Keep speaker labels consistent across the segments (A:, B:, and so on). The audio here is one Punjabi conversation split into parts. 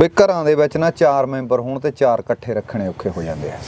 A: ਵੀ ਘਰਾਂ ਦੇ ਵਿੱਚ ਨਾ 4 ਮੈਂਬਰ ਹੋਣ ਤੇ 4 ਇਕੱਠੇ ਰੱਖਣੇ ਔਖੇ ਹੋ ਜਾਂਦੇ ਆ।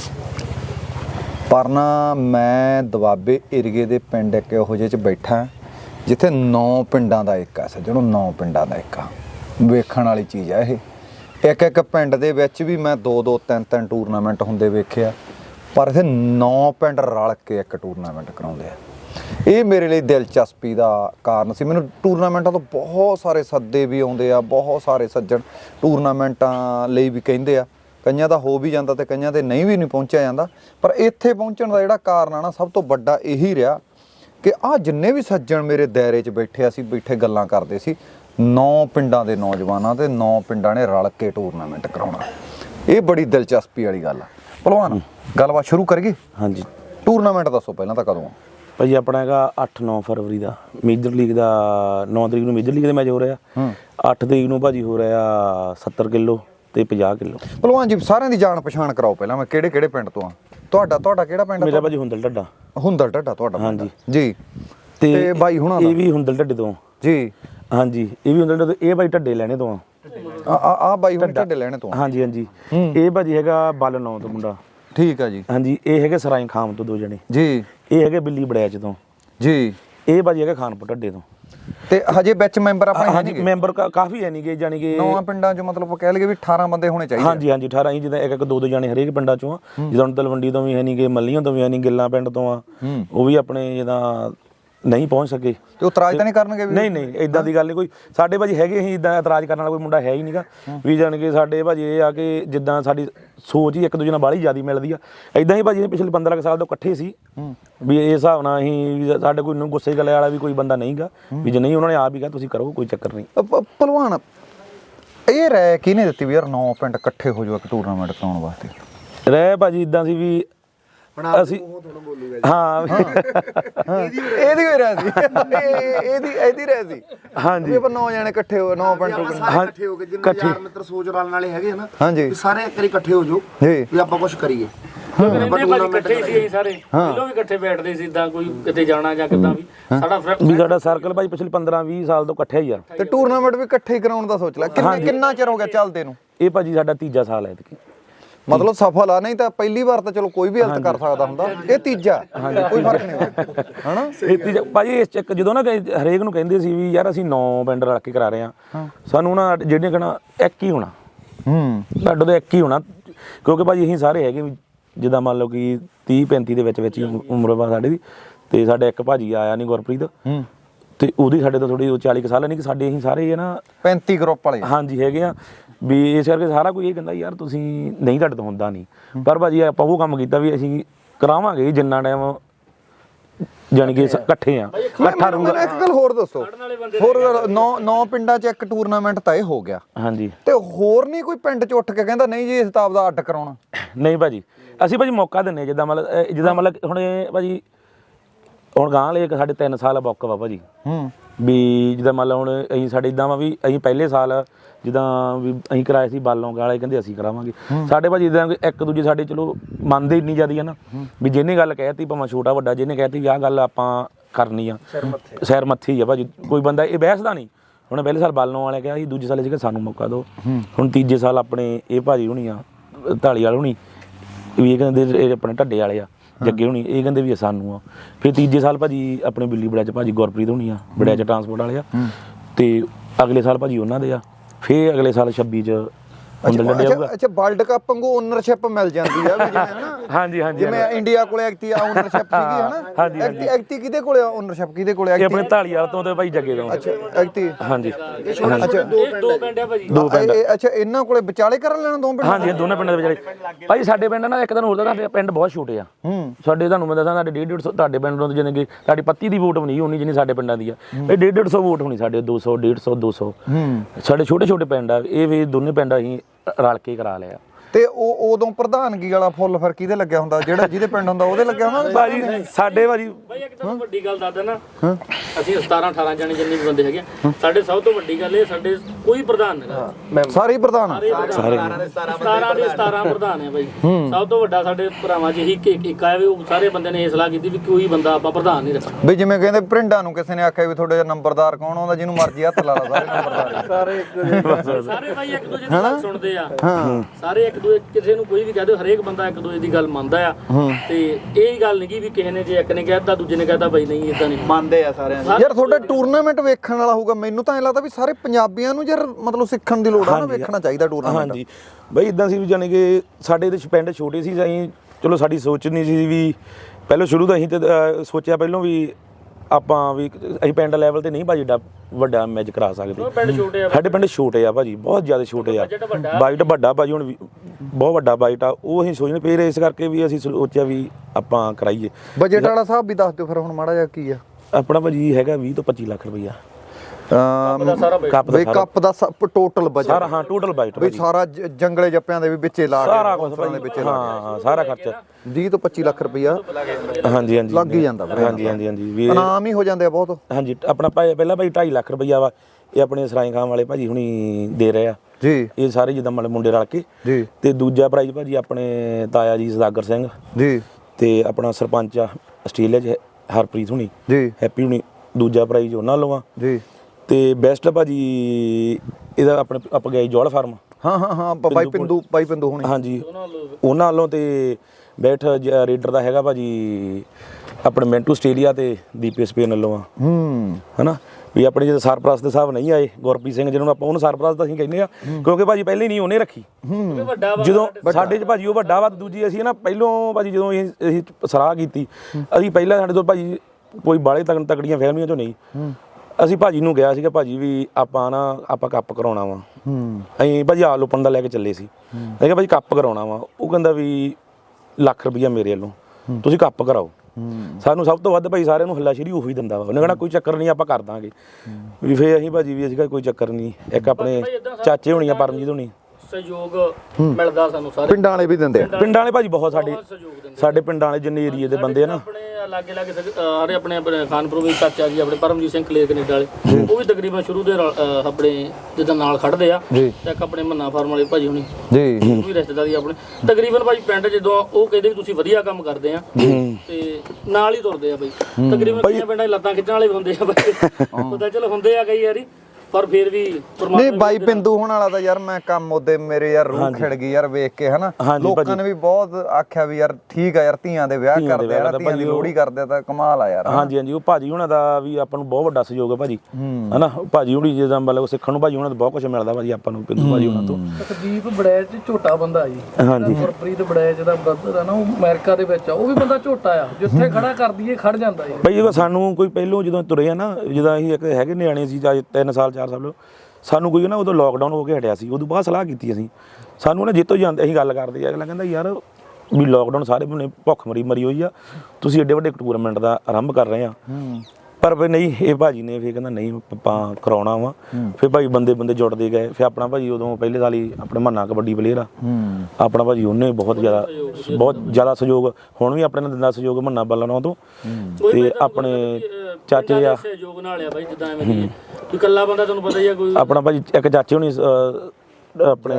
A: ਪਰ ਨਾ ਮੈਂ ਦੁਆਬੇ ਏਰੀਏ ਦੇ ਪਿੰਡ ਇੱਕ ਇਹੋ ਜਿਹੇ 'ਚ ਬੈਠਾ ਜਿੱਥੇ 9 ਪਿੰਡਾਂ ਦਾ ਇੱਕ ਆ ਸੱਜਣੋ, 9 ਪਿੰਡਾਂ ਦਾ ਇੱਕ ਆ। ਵੇਖਣ ਵਾਲੀ ਚੀਜ਼ ਆ ਇਹ। ਇੱਕ ਪਿੰਡ ਦੇ ਵਿੱਚ ਵੀ ਮੈਂ 2-2 3-3 ਟੂਰਨਾਮੈਂਟ ਹੁੰਦੇ ਵੇਖਿਆ, ਪਰ ਇੱਥੇ 9 ਪਿੰਡ ਰਲ ਕੇ ਇੱਕ ਟੂਰਨਾਮੈਂਟ ਕਰਾਉਂਦੇ ਆ। ਇਹ ਮੇਰੇ ਲਈ ਦਿਲਚਸਪੀ ਦਾ ਕਾਰਨ ਸੀ। ਮੈਨੂੰ ਟੂਰਨਾਮੈਂਟਾਂ ਤੋਂ ਬਹੁਤ ਸਾਰੇ ਸੱਦੇ ਵੀ ਆਉਂਦੇ ਆ, ਬਹੁਤ ਸਾਰੇ ਸੱਜਣ ਟੂਰਨਾਮੈਂਟਾਂ ਲਈ ਵੀ ਕਹਿੰਦੇ ਆ। ਕਈਆਂ ਦਾ ਹੋ ਵੀ ਜਾਂਦਾ ਤੇ ਕਈਆਂ ਤੇ ਨਹੀਂ ਵੀ ਪਹੁੰਚਿਆ ਜਾਂਦਾ, ਪਰ ਇੱਥੇ ਪਹੁੰਚਣ ਦਾ ਜਿਹੜਾ ਕਾਰਨ ਆ ਨਾ ਸਭ ਤੋਂ ਵੱਡਾ ਇਹੀ ਰਿਹਾ ਕਿ ਆਹ ਜਿੰਨੇ ਵੀ ਸੱਜਣ ਮੇਰੇ ਦਾਇਰੇ 'ਚ ਬੈਠੇ ਅਸੀਂ ਬੈਠੇ ਗੱਲਾਂ ਕਰਦੇ ਸੀ, 9 ਪਿੰਡਾਂ ਦੇ ਨੌਜਵਾਨਾਂ ਤੇ 9 ਪਿੰਡਾਂ ਨੇ ਰਲ ਕੇ ਟੂਰਨਾਮੈਂਟ ਕਰਾਉਣਾ। ਇਹ ਬੜੀ ਦਿਲਚਸਪੀ ਵਾਲੀ ਗੱਲ ਆ। ਭਲਵਾਨ ਗੱਲਬਾਤ ਸ਼ੁਰੂ ਕਰੀਏ।
B: ਹਾਂਜੀ,
A: ਟੂਰਨਾਮੈਂਟ ਦੱਸੋ ਪਹਿਲਾਂ ਤਾਂ ਕਦੋਂ?
B: ਭਾਜੀ ਆਪਣਾ ਹੈਗਾ 8-9 ਫਰਵਰੀ ਦਾ ਮੇਜਰ ਲੀਗ ਦਾ। 9 ਤਰੀਕ ਨੂੰ ਮੇਜਰ ਲੀਗ ਦੇ ਮੈਚ ਹੋ ਰਿਹਾ, 8 ਤਰੀਕ ਨੂੰ ਭਾਜੀ ਹੋ ਰਿਹਾ 70 ਕਿਲੋ ਤੇ 50 ਕਿਲੋ।
A: ਭਲਵਾਨ ਜੀ ਸਾਰਿਆਂ ਦੀ ਜਾਣ ਪਛਾਣ ਕਰਾਓ ਪਹਿਲਾਂ। ਮੈਂ ਕਿਹੜੇ ਪਿੰਡ ਤੋਂ ਆ? ਤੁਹਾਡਾ ਕਿਹੜਾ ਪਿੰਡ?
B: ਮੇਰਾ ਭਾਜੀ ਹੁੰਦਲ ਢੱਡਾ।
A: ਹੁੰਦਲ ਢੱਡਾ ਤੁਹਾਡਾ?
B: ਹਾਂਜੀ
A: ਜੀ।
B: ਤੇ
A: ਬਾਈ ਹੁਣਾਂ ਦਾ?
B: ਇਹ ਵੀ ਹੁੰਦਲ ਢੱਡੇ ਤੋਂ
A: ਜੀ।
B: ਹਾਂਜੀ, ਇਹ ਵੀ ਹੁੰਦਲ ਢੱਡੇ ਤੋਂ। ਇਹ ਭਾਈ ਢੱਡੇ ਲੈਣੇ ਤੋਂ
A: ਆ ਬਾਈ ਹੁਣ ਢੱਡੇ ਲੈਣੇ ਤੋਂ?
B: ਹਾਂਜੀ ਹਾਂਜੀ। ਇਹ ਭਾਜੀ ਹੈਗਾ ਬਲ 9 ਤੋਂ ਮੁੰਡਾ।
A: ਠੀਕ ਆ ਜੀ।
B: ਹਾਂਜੀ, ਇਹ ਹੈਗੇ ਸਰਾਈ ਖਾਮ ਤੋਂ 2 ਜਣੇ
A: ਜੀ।
B: ਇਹ ਹੈਗੇ ਬਿੱਲੀ ਬੜੈਚ ਤੋਂ
A: ਜੀ।
B: ਇਹ ਭਾਜੀ ਹੈਗਾ ਖਾਨਪੁਰ ਢੱਡੇ ਤੋਂ।
A: ਤੇ ਹਜੇ ਵਿੱਚ ਮੈਂਬਰ ਆਪਣੇ
B: ਹਾਂਜੀ ਮੈਂਬਰ ਕਾਫੀ ਹੈ ਨਹੀਂਗੇ, ਜਾਨੀ ਕਿ
A: 9 ਪਿੰਡਾਂ 'ਚ ਮਤਲਬ ਕਹਿ ਲਈਏ ਵੀ 18 ਬੰਦੇ ਹੋਣੇ ਚਾਹੀਦੇ।
B: ਹਾਂਜੀ ਹਾਂਜੀ 18 ਹੀ, ਜਿੱਦਾਂ ਇੱਕ 2-2 ਜਾਣੇ ਹਰੇਕ ਪਿੰਡਾਂ ਚੋਂ ਆ। ਜਿੱਦਾਂ ਤਲਵੰਡੀ ਤੋਂ ਵੀ ਹੈ ਨਹੀਂਗੇ, ਮੱਲੀਆਂ ਤੋਂ ਵੀ ਹੈ ਨਹੀਂ, ਗਿੱਲਾਂ ਪਿੰਡ ਤੋਂ ਆ, ਉਹ ਵੀ ਆਪਣੇ ਜਿੱਦਾਂ ਨਹੀਂ ਪਹੁੰਚ ਸਕੇ।
A: ਤੇ ਉਹ ਇਤਰਾਜ਼ ਤਾਂ ਨਹੀਂ ਕਰਨਗੇ?
B: ਨਹੀਂ ਇਦਾਂ ਦੀ ਗੱਲ ਨਹੀਂ ਕੋਈ। ਸਾਡੇ ਭਾਜੀ ਹੈਗੇ ਅਸੀਂ ਇਦਾਂ ਇਤਰਾਜ਼ ਕਰਨ ਵਾਲਾ ਕੋਈ ਮੁੰਡਾ ਹੈ ਹੀ ਨਹੀਂਗਾ ਵੀ, ਜਾਣ ਕੇ ਸਾਡੇ ਭਾਜੀ ਇਹ ਆ ਕਿ ਜਿੱਦਾਂ ਸਾਡੀ ਸੋਚ ਹੀ ਇੱਕ ਦੂਜੇ ਨਾਲ ਬਾਹਲੀ ਜ਼ਿਆਦਾ ਮਿਲਦੀ ਆ। ਇਦਾਂ ਹੀ ਭਾਜੀ ਪਿਛਲੇ 15 ਸਾਲ ਤੋਂ ਇਕੱਠੇ ਸੀ ਵੀ ਇਸ ਹਿਸਾਬ ਨਾਲ ਅਸੀਂ ਸਾਡੇ ਕੋਈ ਨੂੰ ਗੁੱਸੇ ਗਲੇ ਵਾਲਾ ਵੀ ਕੋਈ ਬੰਦਾ ਨਹੀਂਗਾ ਵੀ, ਜੇ ਨਹੀਂ ਉਹਨਾਂ ਨੇ ਆਪ ਹੀ ਕਿਹਾ ਤੁਸੀਂ ਕਰੋ, ਕੋਈ ਚੱਕਰ ਨਹੀਂ।
A: ਭਲਵਾਨ ਇਹ ਰਾਇ ਕਿਹਨੇ ਦਿੱਤੀ ਵੀ ਯਾਰ 9 ਪਿੰਡ ਇਕੱਠੇ ਹੋ ਜਾਓ ਇੱਕ ਟੂਰਨਾਮੈਂਟ ਕਰਾਉਣ ਵਾਸਤੇ?
B: ਰਹਿ ਭਾਜੀ ਇਦਾਂ ਸੀ ਵੀ ਅਸੀਂ ਹਾਂ
A: ਇਹਦੀ ਹੋਈ ਰਹਿ ਸੀ ਇਹਦੀ ਰਹਿ ਸੀ।
B: ਹਾਂਜੀ
A: ਵੀ ਆਪਾਂ 9 ਜਣੇ ਇਕੱਠੇ ਹੋ, 9 ਪਿੰਡ
C: ਇਕੱਠੇ ਹੋ ਕੇ ਜਿੰਨੇ ਯਾਰ ਮਿੱਤਰ ਸੋਚ ਰਲਣ ਵਾਲੇ ਹੈਗੇ ਨਾ,
A: ਹਾਂਜੀ
C: ਸਾਰੇ ਇੱਕ ਵਾਰੀ ਇਕੱਠੇ ਹੋ ਜਾਓ ਵੀ ਆਪਾਂ ਕੁਝ ਕਰੀਏ।
D: ਇਕੱਠੇ ਸੀ ਅਸੀਂ ਸਾਰੇ, ਪਹਿਲਾਂ ਵੀ ਇਕੱਠੇ ਬੈਠਦੇ ਸੀ। ਇਦਾਂ ਕੋਈ ਕਿਤੇ ਜਾਣਾ ਜਾਂ ਕਿੱਦਾਂ ਵੀ
B: ਸਾਡਾ ਸਰਕਲ ਭਾਈ ਪਿਛਲੇ 15-20 ਸਾਲ ਤੋਂ ਇਕੱਠੇ ਹੀ ਆ।
A: ਤੇ ਟੂਰਨਾਮੈਂਟ ਵੀ ਇਕੱਠੇ ਹੀ ਕਰਾਉਣ ਦਾ ਸੋਚ ਲਿਆ। ਕਿੰਨਾ ਚਿਰ ਹੋ ਗਿਆ ਚੱਲਦੇ ਨੂੰ?
B: ਇਹ ਭਾਜੀ ਸਾਡਾ 3ਜਾ ਸਾਲ ਹੈ ਇਤਕੀ।
A: ਮਤਲਬ ਸਫਲ ਆ। ਨਹੀਂ ਤਾਂ ਪਹਿਲੀ ਵਾਰ ਤਾਂ ਚਲੋ ਕੋਈ ਵੀ ਹੈਲਪ ਕਰ ਸਕਦਾ ਹੁੰਦਾ, ਇਹ ਤੀਜਾ ਕੋਈ ਫਰਕ ਨਹੀਂ ਹਨਾ।
B: ਇਹ ਤੀਜਾ ਭਾਜੀ ਇਸ ਚੱਕ ਜਦੋਂ ਨਾ ਹਰੇਕ ਨੂੰ ਕਹਿੰਦੇ ਸੀ ਵੀ ਯਾਰ ਅਸੀਂ 9 ਪਿੰਡ ਰਲ ਕੇ ਕਰਾ ਰਹੇ ਆ, ਸਾਨੂੰ ਨਾ ਜਿਹੜੇ ਕਹਿਣਾ ਇੱਕ ਹੀ ਹੋਣਾ, ਤੁਹਾਡੇ ਤੋਂ ਇੱਕ ਹੀ ਹੋਣਾ। ਕਿਉਂਕਿ ਭਾਜੀ ਅਸੀਂ ਸਾਰੇ ਹੈਗੇ ਵੀ ਜਿੱਦਾਂ ਮੰਨ ਲਓ ਕਿ 30-35 ਦੇ ਵਿੱਚ ਹੀ ਉਮਰ ਵਾ ਸਾਡੇ ਦੀ। ਤੇ ਸਾਡੇ ਇੱਕ ਭਾਜੀ ਆਇਆ ਨਹੀਂ ਗੁਰਪ੍ਰੀਤ, ਤੇ ਉਹਦੀ ਸਾਡੇ ਤੋਂ ਥੋੜੀ 40 ਸਾਲ ਨਹੀਂ ਕਿ ਸਾਡੇ ਅਸੀਂ ਸਾਰੇ ਨਾ
A: 35 ਗਰੁੱਪ ਵਾਲੇ
B: ਹਾਂਜੀ ਹੈਗੇ ਆ ਵੀ। ਇਸ ਕਰਕੇ ਸਾਰਾ ਕੋਈ ਇਹ ਕਹਿੰਦਾ ਯਾਰ ਤੁਸੀਂ ਨਹੀਂ, ਤੁਹਾਡੇ ਤੋਂ ਹੁੰਦਾ ਨਹੀਂ। ਪਰ ਭਾਜੀ ਆਪਾਂ ਉਹ ਕੰਮ ਕੀਤਾ ਵੀ ਅਸੀਂ ਕਰਾਵਾਂਗੇ ਜਿੰਨਾ ਟਾਈਮ ਜਾਣੀ ਕਿ ਇਕੱਠੇ ਆ ਇਕੱਠਾ ਰਹੂਗਾ।
A: ਇੱਕ ਗੱਲ ਹੋਰ ਦੱਸੋ, ਹੋਰ 9 ਪਿੰਡਾਂ 'ਚ ਇੱਕ ਟੂਰਨਾਮੈਂਟ ਤਾਂ ਇਹ ਹੋ ਗਿਆ। ਹਾਂਜੀ। ਤੇ ਹੋਰ ਨਹੀਂ ਕੋਈ ਪਿੰਡ 'ਚ ਉੱਠ ਕੇ ਕਹਿੰਦਾ ਨਹੀਂ ਜੀ ਇਸ ਹਿਸਾਬ ਦਾ ਅੱਡ ਕਰਾਉਣਾ? ਨਹੀਂ
B: ਭਾਜੀ, ਅਸੀਂ ਭਾਜੀ ਮੌਕਾ ਦਿੰਦੇ ਜਿੱਦਾਂ ਮਤਲਬ ਹੁਣ ਇਹ ਭਾਜੀ ਹੁਣ ਗਾਂ ਵਾਲੇ ਸਾਡੇ 3 ਸਾਲ ਮੌਕਾ ਵਾ ਭਾਜੀ ਵੀ। ਜਿੱਦਾਂ ਮੰਨ ਲਓ ਹੁਣ ਅਸੀਂ ਸਾਡੇ ਇੱਦਾਂ ਵਾ ਵੀ ਅਸੀਂ ਪਹਿਲੇ ਸਾਲ ਜਿੱਦਾਂ ਵੀ ਅਸੀਂ ਕਰਾਏ ਸੀ ਬਾਲੋਂ ਵਾਲੇ ਕਹਿੰਦੇ ਅਸੀਂ ਕਰਾਵਾਂਗੇ। ਸਾਡੇ ਭਾਜੀ ਇੱਦਾਂ ਇੱਕ ਦੂਜੇ ਸਾਡੇ ਚਲੋ ਮੰਨਦੇ ਇੰਨੀ ਜ਼ਿਆਦਾ ਆ ਨਾ ਵੀ, ਜਿਹਨੇ ਗੱਲ ਕਹਿਤੀ ਭਾਵੇਂ ਛੋਟਾ ਵੱਡਾ, ਜਿਹਨੇ ਕਹਿਤੀ ਵੀ ਆਹ ਗੱਲ ਆਪਾਂ ਕਰਨੀ ਆ ਸਿਰ ਮੱਥੇ ਹੀ ਆ ਭਾਜੀ। ਕੋਈ ਬੰਦਾ ਇਹ ਬਹਿਸਦਾ ਨਹੀਂ। ਹੁਣ ਪਹਿਲੇ ਸਾਲ ਬਾਲੋਂ ਵਾਲੇ ਕਿਹਾ ਸੀ, ਦੂਜੇ ਸਾਲ ਸੀਗਾ ਸਾਨੂੰ ਮੌਕਾ ਦਿਓ। ਹੁਣ ਤੀਜੇ ਸਾਲ ਆਪਣੇ ਇਹ ਭਾਜੀ ਹੋਣੀ ਆ ਢਾਲੀ ਵਾਲੇ ਹੋਣੀ ਵੀ, ਇਹ ਕਹਿੰਦੇ ਇਹ ਆਪਣੇ ਢੱਡੇ ਵਾਲੇ ਆ ਜੱਗੇ ਹੋਣੀ, ਇਹ ਕਹਿੰਦੇ ਵੀ ਸਾਨੂੰ ਆ। ਫਿਰ ਤੀਜੇ ਸਾਲ ਭਾਜੀ ਆਪਣੇ ਬਿੱਲੀ ਬੜਿਆ 'ਚ ਭਾਜੀ ਗੁਰਪ੍ਰੀਤ ਹੋਣੀ ਆ, ਬੜਿਆ 'ਚ ਟਰਾਂਸਪੋਰਟ ਵਾਲੇ ਆ। ਤੇ ਅਗਲੇ ਸਾਲ ਭਾਜੀ ਉਹਨਾਂ ਦੇ ਆ। ਫਿਰ ਅਗਲੇ ਸਾਲ 26 'ਚ
A: ਅੱਛਾ ਵਰਲਡ ਕੱਪ ਵਾਂਗੂ ਓਨਰਸ਼ਿਪ ਮਿਲ ਜਾਂਦੀ ਆ ਵੀ ਜਿਵੇਂ ਹਨਾ। ਹਾਂਜੀ ਹਾਂਜੀ, ਜਿਵੇਂ ਇੰਡੀਆ ਕੋਲੇ ਐਕਟੀ ਆ ਓਨਰਸ਼ਿਪ ਸੀਗੀ ਹਨਾ। ਐਕਟੀ ਕਿਹਦੇ ਕੋਲੇ ਆ ਓਨਰਸ਼ਿਪ? ਕਿਹਦੇ ਕੋਲੇ?
B: ਇਹ ਆਪਣੇ ਢਾਲੀ ਵਾਲ ਤੋਂ ਤੇ ਭਾਈ ਜੱਗੇ ਤੋਂ।
A: ਅੱਛਾ ਐਕਟੀ। ਹਾਂਜੀ
D: ਅੱਛਾ 2 ਪਿੰਡ ਆ ਭਾਜੀ।
A: 2 ਪਿੰਡ। ਅੱਛਾ ਇਹਨਾਂ ਕੋਲੇ ਵਿਚਾਲੇ ਕਰਨ ਲੈਣਾ 2 ਪਿੰਡ?
B: ਹਾਂਜੀ ਦੋਨੇ ਪਿੰਡਾਂ ਦੇ ਵਿਚਾਲੇ ਭਾਈ। ਸਾਡੇ ਪਿੰਡ ਨਾ ਇੱਕ ਦਿਨ ਹੋਰ ਦਾ, ਸਾਡੇ ਪਿੰਡ ਬਹੁਤ ਛੋਟੇ ਆ। ਸਾਡੇ ਤੁਹਾਨੂੰ ਮੈਂ ਦੱਸਾਂ ਸਾਡੇ 150 ਤੁਹਾਡੇ ਪਿੰਡ ਤੋਂ ਜਿਵੇਂ ਕਿ ਸਾਡੀ ਪੱਤੀ ਦੀ ਵੋਟ ਵੀ ਨਹੀਂ ਹੋਣੀ ਜਿੰਨੀ ਸਾਡੇ ਪਿੰਡਾਂ ਦੀ ਆ। ਇਹ 150 ਵੋਟ ਹੋਣੀ ਸਾਡੇ, 200 150 200 ਸਾਡੇ ਛੋਟੇ ਪਿੰਡ ਆ। ਇਹ ਵੀ ਦੋਨੇ ਪਿੰਡ ਅਸੀਂ ਰਲ ਕੇ ਕਰਾ ਲਿਆ।
A: ਤੇ ਉਹ ਉਦੋਂ ਪ੍ਰਧਾਨਗੀ ਵਾਲਾ ਫੁੱਲ ਫਿਰ ਕਿਹਦੇ ਲੱਗਿਆ ਹੁੰਦਾ? ਜਿਹਦੇ ਪਿੰਡ ਹੁੰਦਾ ਉਹਦੇ ਲੱਗਿਆ ਹੁੰਦਾ
B: ਭਾਜੀ? ਸਾਡੇ ਭਾਜੀ
D: ਬਈ ਇੱਕ ਤੁਹਾਨੂੰ ਵੱਡੀ ਗੱਲ ਦੱਸ ਦੇਣਾ, ਅਸੀਂ 17-18 ਜਣੇ ਜਿੰਨੇ ਵੀ ਬੰਦੇ ਹੈਗੇ ਆ, ਸਾਡੇ ਸਭ ਤੋਂ ਵੱਡੀ ਗੱਲ ਇਹ ਸਾਡੇ ਕੋਈ ਪ੍ਰਧਾਨ ਨਹੀਂ,
A: ਸਾਰੇ ਹੀ ਪ੍ਰਧਾਨ
B: ਸਾਰੇ
D: 17 ਦੇ 17 ਪ੍ਰਧਾਨ ਹੈ ਬਾਈ। ਸਭ ਤੋਂ ਵੱਡਾ ਸਾਡੇ ਭਰਾਵਾਂ 'ਚ ਇਹੀ ਇੱਕ ਆਇਆ ਵੀ ਉਹ ਸਾਰੇ ਬੰਦੇ ਨੇ ਇਹ ਸਲਾਹ ਕੀਤੀ ਵੀ ਕੋਈ ਬੰਦਾ ਆਪਾਂ ਪ੍ਰਧਾਨ ਨਹੀਂ ਰੱਖਣਾ।
A: ਬਈ ਜਿਵੇਂ ਕਹਿੰਦੇ ਪਿੰਡਾਂ ਨੂੰ ਕਿਸੇ ਨੇ ਆਖਿਆ ਵੀ ਤੁਹਾਡੇ ਜਿਹਾ ਨੰਬਰਦਾਰ ਕੌਣ ਆਉਂਦਾ, ਜਿਹਨੂੰ ਮਰਜ਼ੀ ਹੱਥ ਲਾ ਲਾ, ਸਾਰੇ ਨੰਬਰਦਾਰ
D: ਸਾਰੇ ਬਾਈ ਇੱਕ ਦੂਜੇ ਦੀ ਗੱਲ ਸੁਣਦੇ ਆ, ਸਾਰੇ ਇੱਕ ਦੂਜੇ ਕਿਸੇ ਨੂੰ ਕੋਈ ਵੀ ਕਹਿ ਦਿਓ, ਹਰੇਕ ਬੰਦਾ ਇੱਕ ਦੂਜੇ ਦੀ ਗੱਲ ਮੰਨਦਾ ਆ। ਤੇ ਇਹ ਗੱਲ ਨਹੀਂ ਵੀ ਕਿਸੇ ਨੇ ਜੇ ਇੱਕ ਨੇ ਕਹਿਤਾ ਦੂਜੇ ਨੇ ਕਹਿਤਾ ਬਾਈ ਨਹੀਂ ਇਦਾਂ ਨਹੀਂ ਮੰਨਦੇ ਆ ਸਾਰਿਆਂ ਦੇ।
A: ਯਾਰ ਤੁਹਾਡਾ ਟੂਰਨਾਮੈਂਟ ਵੇਖਣ ਵਾਲਾ ਹੋਊਗਾ, ਮੈਨੂੰ ਤਾਂ ਐ ਲੱਗਦਾ ਵੀ ਸਾਰੇ ਪੰਜਾਬੀਆਂ ਨੂੰ ਯਾਰ ਮਤਲਬ ਸਿੱਖਣ ਦੀ ਲੋੜ ਆ ਨਾ, ਵੇਖਣਾ ਚਾਹੀਦਾ ਟੂਰਨਾਮੈਂਟ।
B: ਹਾਂਜੀ ਬਈ ਇਦਾਂ ਸੀ ਵੀ ਜਾਣੀ ਕਿ ਸਾਡੇ ਤੇ ਪਿੰਡ ਛੋਟੇ ਸੀ, ਅਸੀਂ ਚਲੋ ਸਾਡੀ ਸੋਚ ਨਹੀਂ ਸੀ ਵੀ ਪਹਿਲਾਂ ਸ਼ੁਰੂ ਤੋਂ ਅਸੀਂ ਤੇ ਸੋਚਿਆ ਪਹਿਲਾਂ ਵੀ ਆਪਾਂ ਵੀ ਅਸੀਂ ਪਿੰਡ ਲੈਵਲ ਤੇ ਨਹੀਂ ਭਾਜੀ ਵੱਡਾ ਮੈਚ ਕਰਾ ਸਕਦੇ।
D: ਪਿੰਡ ਛੋਟੇ ਆ,
B: ਸਾਡੇ ਪਿੰਡ ਛੋਟੇ ਆ ਭਾਜੀ, ਬਹੁਤ ਜ਼ਿਆਦਾ ਛੋਟੇ ਆ। ਬਾਈਟ ਵੱਡਾ ਭਾਜੀ ਹੁਣ ਬਹੁਤ ਵੱਡਾ ਬਾਈਟ ਆ, ਉਹ ਅਸੀਂ ਸੋਚਦੇ ਫਿਰ ਇਸ ਕਰਕੇ ਵੀ ਅਸੀਂ ਸੋਚਿਆ ਵੀ ਆਪਾਂ ਕਰਾਈਏ।
A: ਬਜਟ ਵਾਲਾ ਸਾਹਿਬ ਵੀ ਦੱਸ ਦਿਓ ਫਿਰ ਹੁਣ ਮਾੜਾ ਜਿਹਾ ਕੀ ਆ
B: ਆਪਣਾ ਭਾਜੀ ਹੈਗਾ 20 ਤੋਂ 25 ਲੱਖ ਰੁਪਈਆ
A: ਬਈ ਕੱਪ ਦਾ ਟੋਟਲ ਬਜਟ
B: ਸਾਰਾ। ਹਾਂ ਟੋਟਲ ਬਾਈਟ
A: ਬਈ ਸਾਰਾ ਜੰਗਲੇ ਜੱਪਿਆਂ ਦੇ ਵੀ ਵਿੱਚੇ ਲਾ ਕੇ
B: ਸਾਰਾ ਕੁਝ ਭਾਜੀ, ਹਾਂ ਸਾਰਾ ਖਰਚਾ
A: 20 ਤੋਂ 25 ਲੱਖ ਰੁਪਈਆ
B: ਹਾਂਜੀ ਹਾਂਜੀ
A: ਲੱਗ ਹੀ ਜਾਂਦਾ ਫਿਰ।
B: ਹਾਂਜੀ ਹਾਂਜੀ ਹਾਂਜੀ ਵੀ
A: ਇਨਾਮ ਹੀ ਹੋ ਜਾਂਦੇ ਆ ਬਹੁਤ।
B: ਹਾਂਜੀ ਆਪਣਾ ਪਹਿਲਾਂ ਭਾਈ 2.5 ਲੱਖ ਰੁਪਈਆ ਵਾ, ਇਹ ਆਪਣੇ ਸਰਾਏ ਖਾਂ ਵਾਲੇ ਭਾਜੀ ਹੁਣੀ ਦੇ ਰਹੇ ਆ
A: ਜੀ,
B: ਇਹ ਸਾਰੇ ਜਿੱਦਾਂ ਮਤਲਬ ਮੁੰਡੇ ਰਲ ਕੇ
A: ਜੀ।
B: ਤੇ ਦੂਜਾ ਪ੍ਰਾਈਜ਼ ਭਾਜੀ ਆਪਣੇ ਤਾਇਆ ਜੀ ਸਦਾਗਰ ਸਿੰਘ
A: ਜੀ,
B: ਤੇ ਆਪਣਾ ਸਰਪੰਚ ਆ ਆਸਟ੍ਰੇਲੀਆ 'ਚ ਹਰਪ੍ਰੀਤ ਹੁਣੀ,
A: ਜੀ,
B: ਹੈਪੀ ਹੁਣੀ, ਦੂਜਾ ਪ੍ਰਾਈਜ਼ ਉਹਨਾਂ ਲਵਾਂ
A: ਜੀ।
B: ਤੇ ਬੈਸਟ ਭਾਜੀ ਇਹਦਾ ਆਪਣੇ ਆਪਾਂ ਗਏ ਜੋਲ ਫਾਰਮ।
A: ਹਾਂ ਹਾਂ ਹਾਂ ਬਾਈ ਪਿੰਦੂ ਹੋਣੀ।
B: ਹਾਂਜੀ ਉਹਨਾਂ ਵੱਲੋਂ। ਤੇ ਬੈਠ ਰੇਡਰ ਦਾ ਹੈਗਾ ਭਾਜੀ ਆਪਣੇ ਮੈਂਟੂ ਆਸਟ੍ਰੇਲੀਆ ਤੇ ਦੀਪੀ ਸਪੇਨ ਵੱਲੋਂ ਆ। ਹਨਾ ਵੀ ਆਪਣੇ ਜਦੋਂ ਸਰਪ੍ਰਸਤ ਦੇ ਹਿਸਾਬ ਨਹੀਂ ਆਏ, ਗੁਰਪ੍ਰੀਤ ਸਿੰਘ ਜਿਹਨੂੰ ਆਪਾਂ ਉਹਨੂੰ ਸਰਪ੍ਰਸਤ ਅਸੀਂ ਕਹਿੰਦੇ ਆ, ਕਿਉਂਕਿ ਭਾਜੀ ਪਹਿਲੇ ਨਹੀਂ ਉਹਨੇ ਰੱਖੀ, ਜਦੋਂ ਸਾਡੇ 'ਚ ਭਾਜੀ ਉਹ ਵੱਡਾ ਵਾ। ਦੂਜੀ ਅਸੀਂ ਨਾ ਪਹਿਲੋਂ ਭਾਜੀ ਜਦੋਂ ਅਸੀਂ ਸਲਾਹ ਕੀਤੀ, ਅਸੀਂ ਪਹਿਲਾਂ ਸਾਡੇ ਤੋਂ ਭਾਜੀ ਕੋਈ ਬਾਹਲੇ ਤਕੜੀਆਂ ਫੈਮਲੀਆਂ 'ਚੋਂ ਨਹੀਂ, ਅਸੀਂ ਭਾਜੀ ਨੂੰ ਗਿਆ ਸੀਗਾ ਭਾਜੀ ਵੀ ਆਪਾਂ ਕੱਪ ਕਰਾਉਣਾ ਵਾ। ਅਸੀਂ ਭਾਜੀ ਆਲ ਓਪਨ ਦਾ ਲੈ ਕੇ ਚੱਲੇ ਸੀ, ਮੈਂ ਕਿਹਾ ਭਾਜੀ ਕੱਪ ਕਰਾਉਣਾ ਵਾ। ਉਹ ਕਹਿੰਦਾ ਵੀ ਲੱਖ ਰੁਪਈਆ ਮੇਰੇ ਵੱਲੋਂ, ਤੁਸੀਂ ਕੱਪ ਕਰਾਓ। ਸਾਨੂੰ ਸਭ ਤੋਂ ਵੱਧ ਭਾਈ ਸਾਰਿਆਂ ਨੂੰ ਹੱਲਾਸ਼ੇਰੀ ਉਹੀ ਦਿੰਦਾ ਵਾ, ਉਹਨੇ ਕਹਿਣਾ ਕੋਈ ਚੱਕਰ ਨਹੀਂ ਆਪਾਂ ਕਰ ਦਾਂਗੇ ਵੀ। ਫੇਰ ਅਸੀਂ ਭਾਜੀ ਵੀ ਅਸੀਂ ਕਿਹਾ ਕੋਈ ਚੱਕਰ ਨਹੀਂ। ਇੱਕ ਆਪਣੇ ਚਾਚੇ ਹੋਣੀ ਆ ਪਰਮਜੀਤ ਹੋਣੀ,
D: ਸਹਿਯੋਗ ਮਿਲਦਾ ਸਾਨੂੰ ਸਾਰੇ
A: ਪਿੰਡਾਂ ਵਾਲੇ ਵੀ ਦਿੰਦੇ ਆ।
B: ਪਿੰਡਾਂ ਵਾਲੇ ਭਾਜੀ ਬਹੁਤ ਸਾਡੇ ਪਿੰਡਾਂ ਵਾਲੇ ਜਿੰਨੇ ਏਰੀਏ ਦੇ ਬੰਦੇ ਆ ਨਾ,
D: ਆਪਣੇ ਲਾਗੇ ਸਾਰੇ ਆਪਣੇ ਖਾਨਪੁਰ ਵੀ ਚਾਚਾ ਜੀ ਆਪਣੇ ਪਰਮਜੀਤ ਸਿੰਘ ਕਲੇਰ ਕੈਨੇਡਾ ਵਾਲੇ, ਉਹ ਵੀ ਤਕਰੀਬਨ ਸ਼ੁਰੂ ਦੇ ਆਪਣੇ ਜਿੱਦਾਂ ਨਾਲ ਖੜਦੇ ਆ। ਤੇ ਇੱਕ ਆਪਣੇ ਮੰਨਾ ਫਾਰਮ ਵਾਲੇ ਭਾਜੀ ਹੁਣੀ
A: ਜੀ,
D: ਉਹ ਵੀ ਰਿਸ਼ਤੇਦਾਰੀ ਆਪਣੇ ਤਕਰੀਬਨ ਭਾਜੀ ਪਿੰਡ ਜਦੋਂ ਉਹ ਕਹਿੰਦੇ ਵੀ ਤੁਸੀਂ ਵਧੀਆ ਕੰਮ ਕਰਦੇ ਆ ਤੇ ਨਾਲ ਹੀ ਤੁਰਦੇ ਆ ਬਾਈ। ਤਕਰੀਬਨ ਕਈਆਂ ਪਿੰਡਾਂ 'ਚ ਲੱਤਾਂ ਖਿੱਚਣ ਵਾਲੇ ਵੀ ਹੁੰਦੇ ਆ ਬਾਈ, ਉਹਦਾ ਚਲੋ ਹੁੰਦੇ ਆ ਕਈ ਵਾਰੀ, ਪਰ ਫਿਰ ਵੀ
A: ਨਹੀਂ ਬਾਈ ਪਿੰਦੂ ਹੋਣ ਵਾਲਾ ਤਾਂ ਯਾਰ ਮੈਂ ਕੰਮ ਉਹਦੇ ਮੇਰੇ ਯਾਰ ਰੂਹ ਖਿੜ ਗਈ ਯਾਰ ਵੇਖ ਕੇ ਹਨਾ। ਲੋਕਾਂ ਨੇ ਵੀ ਬਹੁਤ ਆਖਿਆ ਵੀ ਯਾਰ ਠੀਕ ਆ ਯਾਰ, ਧੀਆਂ ਦੇ ਵਿਆਹ ਕਰਦੇ ਆ, ਧੀਆਂ ਦੀ ਲੋਹੜੀ ਕਰਦੇ ਤਾਂ ਕਮਾਲ ਆ ਯਾਰ।
B: ਹਾਂਜੀ ਹਾਂਜੀ ਉਹ ਭਾਜੀ ਹੁਣਾਂ ਦਾ ਵੀ ਆਪਾਂ ਨੂੰ ਬਹੁਤ ਵੱਡਾ ਸਹਿਯੋਗ ਹੈ ਭਾਜੀ, ਹਨਾ। ਭਾਜੀ ਹੁਣੀ ਜਿੱਦਾਂ ਮਤਲਬ ਸਿੱਖਣ ਨੂੰ ਭਾਜੀ ਹੁਣਾਂ ਤੋਂ ਬਹੁਤ ਕੁਝ ਮਿਲਦਾ ਭਾਜੀ ਆਪਾਂ ਨੂੰ, ਪਿੰਦੂ ਭਾਜੀ ਹੁਣਾਂ ਤੋਂ।
E: ਤਕਦੀਪ ਬੜੈਚ ਝੋਟਾ ਬੰਦਾ ਜੀ,
B: ਹਾਂਜੀ
E: ਗੁਰਪ੍ਰੀਤ ਬੜੈਚ ਦਾ ਬ੍ਰਦਰ ਆ ਨਾ, ਉਹ ਅਮਰੀਕਾ ਦੇ ਵਿੱਚ ਆ, ਉਹ ਵੀ ਬੰਦਾ ਝੋਟਾ ਆ, ਜਿੱਥੇ ਖੜਾ ਕਰਦੀ ਏ ਖੜ ਜਾਂਦਾ ਜੀ
B: ਭਾਈ। ਸਾਨੂੰ ਕੋਈ ਪਹਿਲੋਂ ਜਦੋਂ ਤੁਰੇ ਆ ਨਾ, ਜਦੋਂ ਅਸੀਂ ਇੱਕ ਹੈਗੇ ਨਿਆਣੇ ਸੀ 3 ਸਾਲ 4 ਸਾਲ, ਸਾਨੂੰ ਕੋਈ ਨਾ ਉਦੋਂ ਲੋਕਡਾਊਨ ਹੋ ਕੇ ਹਟਿਆ ਸੀ, ਉਦੋਂ ਬਾਅਦ ਸਲਾਹ ਕੀਤੀ ਅਸੀਂ। ਸਾਨੂੰ ਨਾ ਜਿੱਤੋਂ ਜਾਂਦੇ ਅਸੀਂ ਗੱਲ ਕਰਦੇ ਆ, ਅਗਲਾ ਕਹਿੰਦਾ ਯਾਰ ਵੀ ਲੋਕਡਾਊਨ ਸਾਰੇ ਬੰਨੇ ਭੁੱਖ ਮਰੀ ਹੋਈ ਆ, ਤੁਸੀਂ ਏਡੇ ਵੱਡੇ ਟੂਰਨਾਮੈਂਟ ਦਾ ਆਰੰਭ ਕਰ ਰਹੇ ਆ। ਪਰ ਫਿਰ ਨਹੀਂ, ਇਹ ਭਾਜੀ ਨੇ ਫਿਰ ਕਹਿੰਦਾ ਨਹੀਂ ਆਪਾਂ ਕਰਾਉਣਾ ਵਾ। ਫਿਰ ਭਾਈ ਬੰਦੇ ਜੁੜਦੇ ਗਏ। ਫਿਰ ਆਪਣਾ ਭਾਜੀ ਉਦੋਂ ਪਹਿਲੇ ਸਾਲ ਹੀ ਆਪਣਾ ਮੰਨਾ ਕਬੱਡੀ ਪਲੇਅਰ ਆ ਆਪਣਾ ਭਾਜੀ, ਉਹਨੇ ਬਹੁਤ ਜ਼ਿਆਦਾ ਸਹਿਯੋਗ, ਹੁਣ ਵੀ ਆਪਣੇ ਨਾਲ ਦਿੰਦਾ ਸਹਿਯੋਗ ਮੰਨਾ ਬੱਲਣਾ ਤੋਂ। ਤੇ ਆਪਣੇ ਚਾਚੇ ਆ
D: ਸਹਿਯੋਗ ਨਾਲ ਆ ਬਾਈ, ਜਿੱਦਾਂ ਐਵੇਂ ਦੀ ਕੋਈ ਇਕੱਲਾ ਬੰਦਾ ਤੁਹਾਨੂੰ ਪਤਾ ਹੀ ਆ ਕੋਈ
B: ਆਪਣਾ ਭਾਜੀ ਇੱਕ ਚਾਚੇ ਹੋਣੀ ਆਪਣੇ।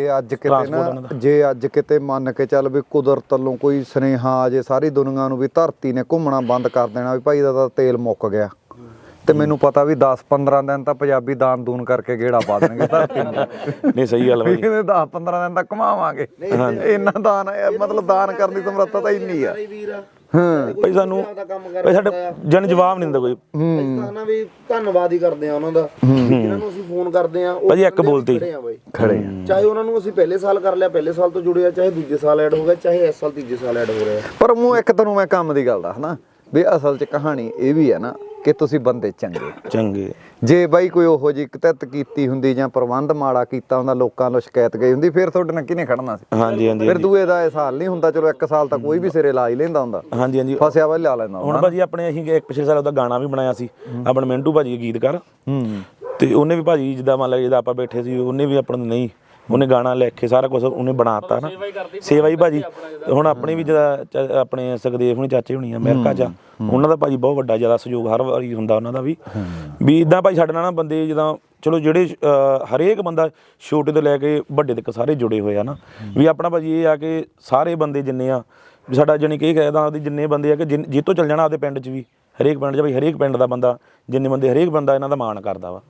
A: ਜੇ ਅੱਜ ਕਿਤੇ ਮੰਨ ਕੇ ਚੱਲ ਵੀ ਕੁਦਰਤ ਵੱਲੋਂ ਕੋਈ ਸੁਨੇਹਾ ਆ ਜੇ ਸਾਰੀ ਦੁਨੀਆ ਨੂੰ ਵੀ ਧਰਤੀ ਨੇ ਘੁੰਮਣਾ ਬੰਦ ਕਰ ਦੇਣਾ, ਵੀ ਭਾਈ ਦਾ ਤਾਂ ਤੇਲ ਮੁੱਕ ਗਿਆ, ਤੇ ਮੈਨੂੰ ਪਤਾ ਵੀ 10-15 ਦਿਨ ਤਾਂ ਪੰਜਾਬੀ ਦਾਨ ਦੂਨ ਕਰਕੇ ਗੇੜਾ ਪਾ ਦੇਣਗੇ ਧਰਤੀ ਨੂੰ।
B: ਨਹੀਂ ਸਹੀ ਗੱਲ ਬਾਈ,
A: 10-15 ਦਿਨ ਤੱਕ ਘੁਮਾਵਾਂਗੇ। ਇੰਨਾ ਦਾਨ ਮਤਲਬ ਦਾਨ ਕਰਨ ਦੀ ਸਮਰੱਥਾ ਤਾਂ ਇੰਨੀ ਆ।
B: ਭਾਈ ਸਾਨੂੰ ਸਾਡੇ ਜਨ ਜਵਾਬ ਨਹੀਂ ਦਿੰਦਾ ਕੋਈ।
C: ਨਾ ਵੀ ਧੰਨਵਾਦ ਹੀ ਕਰਦੇ ਆ ਉਹਨਾਂ ਦਾ, ਜਿਹਨਾਂ ਨੂੰ ਅਸੀਂ ਫੋਨ ਕਰਦੇ ਆ।
B: ਭਾਜੀ ਇੱਕ ਬੋਲਤੀ
A: ਖੜੇ
C: ਚਾਹੇ ਉਹਨਾਂ ਨੂੰ ਅਸੀਂ ਪਹਿਲੇ ਸਾਲ ਕਰ ਲਿਆ, ਪਹਿਲੇ ਸਾਲ ਤੋਂ ਜੁੜੇ ਆ, ਚਾਹੇ ਦੂਜੇ ਸਾਲ ਐਡ ਹੋ ਗਿਆ, ਚਾਹੇ ਇਸ ਸਾਲ ਤੀਜੇ ਸਾਲ ਐਡ ਹੋ ਰਿਹਾ।
A: ਪਰ ਮੂੰਹ ਇੱਕ ਤੈਨੂੰ ਮੈਂ ਕੰਮ ਦੀ ਗੱਲ ਦੱਸਣਾ ਵੀ ਅਸਲ 'ਚ ਕਹਾਣੀ ਇਹ ਵੀ ਹੈ ਨਾ ਕਿ ਤੁਸੀਂ ਬੰਦੇ ਚੰਗੇ। ਜੇ ਬਾਈ ਕੋਈ ਉਹੋ ਜਿਹੀ ਕਿਤਤ ਕੀਤੀ ਹੁੰਦੀ ਜਾਂ ਪ੍ਰਬੰਧ ਮਾੜਾ ਕੀਤਾ ਹੁੰਦਾ, ਲੋਕਾਂ ਨੂੰ ਸ਼ਿਕਾਇਤ ਗਈ ਹੁੰਦੀ, ਫਿਰ ਤੁਹਾਡੇ ਨਾਲ ਕਿਹਨੇ ਖੜਨਾ ਸੀ?
B: ਹਾਂਜੀ ਹਾਂਜੀ
A: ਫਿਰ ਦੂਏ ਦਾ ਇਹ ਸਾਲ ਨਹੀਂ ਹੁੰਦਾ, ਚਲੋ 1 ਸਾਲ ਤਾਂ ਕੋਈ ਵੀ ਸਿਰੇ ਲਾ ਹੀ ਲੈਂਦਾ ਹੁੰਦਾ।
B: ਹਾਂਜੀ ਹਾਂਜੀ
A: ਫਸਿਆ ਵਾ ਲਾ ਲੈਂਦਾ
B: ਹੁਣ ਭਾਜੀ ਆਪਣੇ ਅਸੀਂ ਇੱਕ ਪਿਛਲੇ ਸਾਲ ਉਹਦਾ ਗਾਣਾ ਵੀ ਬਣਾਇਆ ਸੀ, ਆਪਣੇ ਮਿੰਟੂ ਭਾਜੀ ਗੀਤਕਾਰ। ਤੇ ਉਹਨੇ ਵੀ ਭਾਜੀ ਜਿੱਦਾਂ ਮੰਨ ਲਾ ਜਿੱਦਾਂ ਆਪਾਂ ਬੈਠੇ ਸੀ, ਉਹਨੇ ਵੀ ਆਪਾਂ ਨੂੰ ਨਹੀਂ ਉਹਨੇ ਗਾਣਾ ਲਿਖ ਕੇ ਸਾਰਾ ਕੁਝ ਉਹਨੇ ਬਣਾਤਾ ਨਾ, ਸੇਵਾ ਹੀ ਭਾਜੀ। ਹੁਣ ਆਪਣੇ ਵੀ ਜਿਹਦਾ ਆਪਣੇ ਸੁਖਦੇਵ ਹੁਣੀ ਚਾਚੇ ਹੁਣੀ ਅਮਰੀਕਾ 'ਚ, ਉਹਨਾਂ ਦਾ ਭਾਜੀ ਬਹੁਤ ਵੱਡਾ ਜ਼ਿਆਦਾ ਸਹਿਯੋਗ ਹਰ ਵਾਰੀ ਹੁੰਦਾ ਉਹਨਾਂ ਦਾ ਵੀ ਇੱਦਾਂ ਭਾਈ ਸਾਡੇ ਨਾਲ ਨਾ ਬੰਦੇ ਜਿੱਦਾਂ ਚਲੋ ਜਿਹੜੇ ਹਰੇਕ ਬੰਦਾ ਛੋਟੇ ਤੋਂ ਲੈ ਕੇ ਵੱਡੇ ਤੱਕ ਸਾਰੇ ਜੁੜੇ ਹੋਏ ਆ ਨਾ ਵੀ ਆਪਣਾ ਭਾਜੀ ਇਹ ਆ ਕਿ ਸਾਰੇ ਬੰਦੇ ਜਿੰਨੇ ਆ ਵੀ ਸਾਡਾ ਜਾਣੀ ਕਿ ਇਹ ਕਹਿਦਾ ਉਹਦੀ ਜਿੰਨੇ ਬੰਦੇ ਆ ਕਿ ਜਿੱਤੋਂ ਚੱਲ ਜਾਣਾ ਆਪਦੇ ਪਿੰਡ 'ਚ ਵੀ ਹਰੇਕ ਪਿੰਡ 'ਚ ਭਾਈ ਹਰੇਕ ਪਿੰਡ ਦਾ ਬੰਦਾ ਜਿੰਨੇ ਬੰਦੇ ਹਰੇਕ ਬੰਦਾ ਇਹਨਾਂ ਦਾ ਮਾਣ ਕਰਦਾ ਵਾ।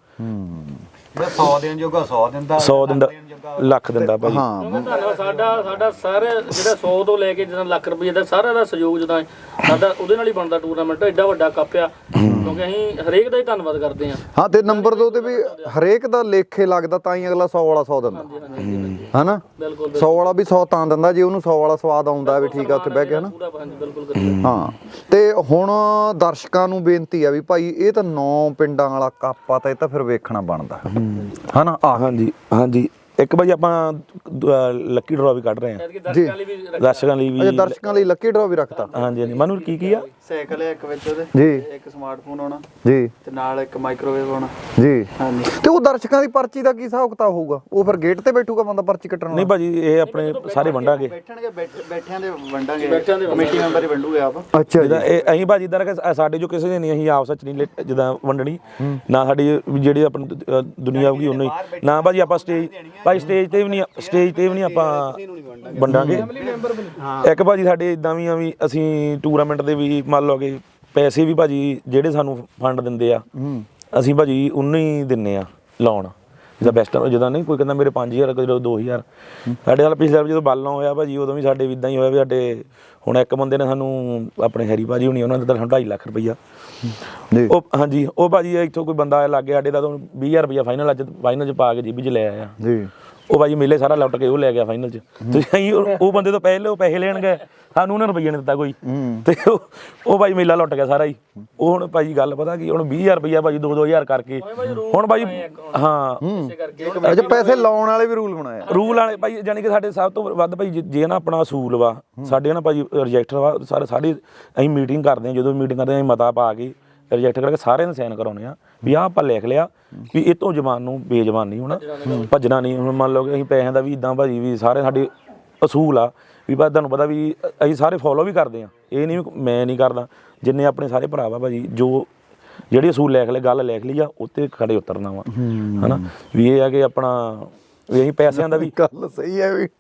A: 100 ਦਿਨ ਜੋਗਾ 100 ਦਿਨ ਦਾ
B: 100 ਦਿਨ ਦਾ ਲੱਖ ਦਿੰਦਾ ਭਾਜੀ।
D: ਧੰਨਵਾਦ ਸਾਡਾ ਸਾਰੇ ਜਿਹੜਾ 100 ਤੋਂ ਲੈ ਕੇ ਜਿੱਦਾਂ ਲੱਖ ਰੁਪਏ ਦਾ ਸਾਰਾ ਦਾ ਸਹਿਯੋਗ ਜਿੱਦਾਂ ਸਾਡਾ ਉਹਦੇ ਨਾਲ ਹੀ ਬਣਦਾ ਟੂਰਨਾਮੈਂਟ ਐਡਾ ਵੱਡਾ ਕੱਪ ਆ ਕਿਉਂਕਿ ਅਸੀਂ ਹਰੇਕ ਦਾ ਹੀ ਧੰਨਵਾਦ ਕਰਦੇ ਹਾਂ।
A: ਹਾਂ ਤੇ ਨੰਬਰ 2 ਤੇ ਵੀ ਹਰੇਕ ਦਾ ਲੇਖੇ ਲੱਗਦਾ ਤਾਂ ਹੀ ਅਗਲਾ 100 ਵਾਲਾ 100 ਦਿੰਦਾ ਹਨਾ। 100 ਵਾਲਾ ਵੀ 100 ਤਾਂ ਦਿੰਦਾ ਜੇ ਉਹਨੂੰ 100 ਵਾਲਾ ਸਵਾਦ ਆਉਂਦਾ ਵੀ ਠੀਕ ਆ ਉੱਥੇ ਬਹਿ ਕੇ ਹਨਾ। ਹਾਂ ਤੇ ਹੁਣ ਦਰਸ਼ਕਾਂ ਨੂੰ ਬੇਨਤੀ ਆ ਵੀ ਭਾਈ ਇਹ ਤਾਂ 9 ਪਿੰਡਾਂ ਵਾਲਾ ਕੱਪ ਆ ਤਾਂ ਇਹ ਤਾਂ ਫਿਰ ਵੇਖਣਾ ਬਣਦਾ ਹਨਾ।
B: ਹਾਂਜੀ ਹਾਂਜੀ ਇੱਕ ਭਾਜੀ ਆਪਾਂ ਲੱਕੀ ਡਰਾ ਵੀ ਕੱਢ ਰਹੇ ਹਾਂ
A: ਜੀ
B: ਦਰਸ਼ਕਾਂ ਲਈ ਵੀ।
A: ਅੱਛਾ ਦਰਸ਼ਕਾਂ ਲਈ ਲੱਕੀ ਡਰਾ ਵੀ ਰੱਖਤਾ।
B: ਹਾਂਜੀ ਹਾਂਜੀ ਮਨੂੰ ਕੀ ਆ
C: ਸਾਈਕਲ ਹੈ ਇੱਕ ਵਿੱਚ ਉਹਦੇ,
A: ਜੀ
C: ਇੱਕ ਸਮਾਰਟਫੋਨ ਆਉਣਾ
A: ਜੀ
C: ਤੇ ਨਾਲ ਇੱਕ ਮਾਈਕ੍ਰੋਵੇਵ ਆਉਣਾ
A: ਜੀ।
C: ਹਾਂਜੀ
A: ਤੇ ਉਹ ਦਰਸ਼ਕਾਂ ਦੀ ਪਰਚੀ ਦਾ ਕੀ ਹਿਸਾਬ ਕਿਤਾਬ ਹੋਊਗਾ? ਉਹ ਫਿਰ ਗੇਟ ਤੇ ਬੈਠੂਗਾ ਬੰਦਾ ਪਰਚੀ ਕੱਟਣ?
B: ਨਹੀਂ ਭਾਜੀ ਇਹ ਆਪਣੇ ਸਾਰੇ ਵੰਡਾਂਗੇ।
C: ਬੈਠਣਗੇ ਬੈਠਿਆਂ ਦੇ ਵੰਡਾਂਗੇ, ਕਮੇਟੀ ਮੈਂਬਰ ਹੀ ਵੰਡੂਗੇ ਆਪ।
A: ਅੱਛਾ ਜੀ।
B: ਇਹ ਅਸੀਂ ਭਾਜੀ ਇਦਾਂ ਕਿ ਸਾਡੇ ਜੋ ਕਿਸੇ ਨੇ ਨਹੀਂ ਅਸੀਂ ਆਪਸ ਵਿੱਚ ਨਹੀਂ ਜਿੱਦਾਂ ਵੰਡਣੀ ਨਾ ਸਾਡੀ ਜਿਹੜੀ ਆਪਣੀ ਦੁਨੀਆ ਹੋਊਗੀ ਉਹਨੂੰ ਹੀ ਨਾ ਭਾਜੀ ਆਪਾਂ ਸਟੇਜ ਤੇ ਵੀ ਨਹੀਂ ਆਪਾਂ ਵੰਡਾਂਗੇ। ਇੱਕ ਭਾਜੀ ਸਾਡੇ ਇਦਾਂ ਵੀ ਆ ਵੀ ਅਸੀਂ ਟੂਰਨਾਮੈਂਟ ਦੇ ਵੀ ਮੰਨ ਲਓ ਕਿ ਪੈਸੇ ਵੀ ਭਾਜੀ ਜਿਹੜੇ ਸਾਨੂੰ ਫੰਡ ਦਿੰਦੇ ਆ ਅਸੀਂ ਭਾਜੀ ਉਹਨੂੰ ਹੀ ਦਿੰਨੇ ਆ ਲਾਉਣ ਜਿੱਦਾਂ ਬੈਸਟ ਜਿੱਦਾਂ ਨਹੀਂ ਕੋਈ ਕਹਿੰਦਾ ਮੇਰੇ 5000 ਕੋਈ 2000 ਸਾਡੇ ਨਾਲ ਪਿਛਲੇ ਵਾਰ ਜਦੋਂ ਬਾਲਾਂ ਹੋਇਆ ਭਾਜੀ ਉਦੋਂ ਵੀ ਸਾਡੇ ਵੀ ਇਦਾਂ ਹੀ ਹੋਇਆ ਵੀ ਸਾਡੇ ਹੁਣ ਇੱਕ ਬੰਦੇ ਨੇ ਸਾਨੂੰ ਆਪਣੇ ਹੈਰੀ ਭਾਜੀ ਹੁਣੀ ਉਹਨਾਂ ਨੇ ਦਿੱਤਾ ਸਾਨੂੰ 2.5 ਲੱਖ ਰੁਪਈਆ। ਉਹ ਹਾਂਜੀ ਉਹ ਭਾਜੀ ਇੱਥੋਂ ਕੋਈ ਬੰਦਾ ਲੱਗ ਗਿਆ ਸਾਡੇ ਦਾ ਤੁਹਾਨੂੰ 20000 ਰੁਪਈਆ ਫਾਈਨਲ 'ਚ ਪਾ ਕੇ ਜੀਬੀ 'ਚ ਲੈ ਆਇਆ ਜੀ। ਉਹ ਭਾਜੀ ਮੇਲੇ ਸਾਰਾ ਲੁੱਟ ਕੇ ਉਹ ਲੈ ਗਿਆ ਫਾਈਨਲ 'ਚ। ਤੁਸੀਂ ਉਹ ਬੰਦੇ ਤੋਂ ਪਹਿਲੇ ਉਹ ਪੈਸੇ ਲੈਣ ਗਏ ਸਾਨੂੰ ਉਹਨੇ ਰੁਪਈਆ ਨਹੀਂ ਦਿੱਤਾ ਕੋਈ ਤੇ ਉਹ ਭਾਜੀ ਮੇਲਾ ਲੁੱਟ ਗਿਆ ਸਾਰਾ ਹੀ। ਉਹ ਹੁਣ ਭਾਜੀ ਗੱਲ ਪਤਾ ਕੀ ਹੁਣ 20000 ਰੁਪਈਆ ਭਾਜੀ 2-2000 ਕਰਕੇ ਹੁਣ ਭਾਜੀ ਹਾਂ
A: ਅੱਛਾ ਪੈਸੇ ਲਾਉਣ ਵਾਲੇ ਵੀ ਰੂਲ ਬਣਾਇਆ
B: ਰੂਲ ਵਾਲੇ ਭਾਈ ਜਾਨੀ ਕਿ ਸਾਡੇ ਸਭ ਤੋਂ ਵੱਧ ਭਾਈ ਜੇ ਨਾ ਆਪਣਾ ਅਸੂਲ ਵਾ ਸਾਡੇ ਨਾ ਭਾਜੀ ਰਿਜੈਕਟਰ ਵਾ ਸਾਰੇ ਅਸੀਂ ਮੀਟਿੰਗ ਕਰਦੇ ਹਾਂ। ਜਦੋਂ ਮੀਟਿੰਗ ਕਰਦੇ ਹਾਂ ਅਸੀਂ ਮਤਾ ਪਾ ਕੇ ਰਿਜੈਕਟ ਕਰਕੇ ਸਾਰਿਆਂ ਨੂੰ ਸਾਈਨ ਕਰਾਉਣੇ ਆ ਵੀ ਆਹ ਆਪਾਂ ਲਿਖ ਲਿਆ ਵੀ ਇਹ ਤੋਂ ਜ਼ਬਾਨ ਨੂੰ ਬੇਜ਼ਬਾਨ ਨਹੀਂ ਹੋਣਾ ਭੱਜਣਾ ਨਹੀਂ। ਹੁਣ ਮੰਨ ਲਓ ਕਿ ਅਸੀਂ ਪੈਸਿਆਂ ਦਾ ਵੀ ਇੱਦਾਂ ਭਾਜੀ ਵੀ ਸਾਰੇ ਸਾਡੇ ਅਸੂਲ ਆ ਵੀ ਬਸ ਤੁਹਾਨੂੰ ਪਤਾ ਵੀ ਅਸੀਂ ਸਾਰੇ ਫੋਲੋ ਵੀ ਕਰਦੇ ਹਾਂ। ਇਹ ਨਹੀਂ ਮੈਂ ਨਹੀਂ ਕਰਦਾ ਜਿੰਨੇ ਆਪਣੇ ਸਾਰੇ ਭਰਾ ਵਾ ਭਾਜੀ ਜੋ ਜਿਹੜੀ ਅਸੂਲ ਲਿਖ ਲੈ ਗੱਲ ਲਿਖ ਲਈ ਆ ਉੱਤੇ ਖੜੇ ਉਤਰਨਾ ਵਾ ਹਨਾ। ਵੀ ਇਹ ਆ ਕਿ ਆਪਣਾ ਵੀ ਅਸੀਂ ਪੈਸਿਆਂ ਦਾ ਵੀ
A: ਗੱਲ ਸਹੀ ਹੈ ਵੀ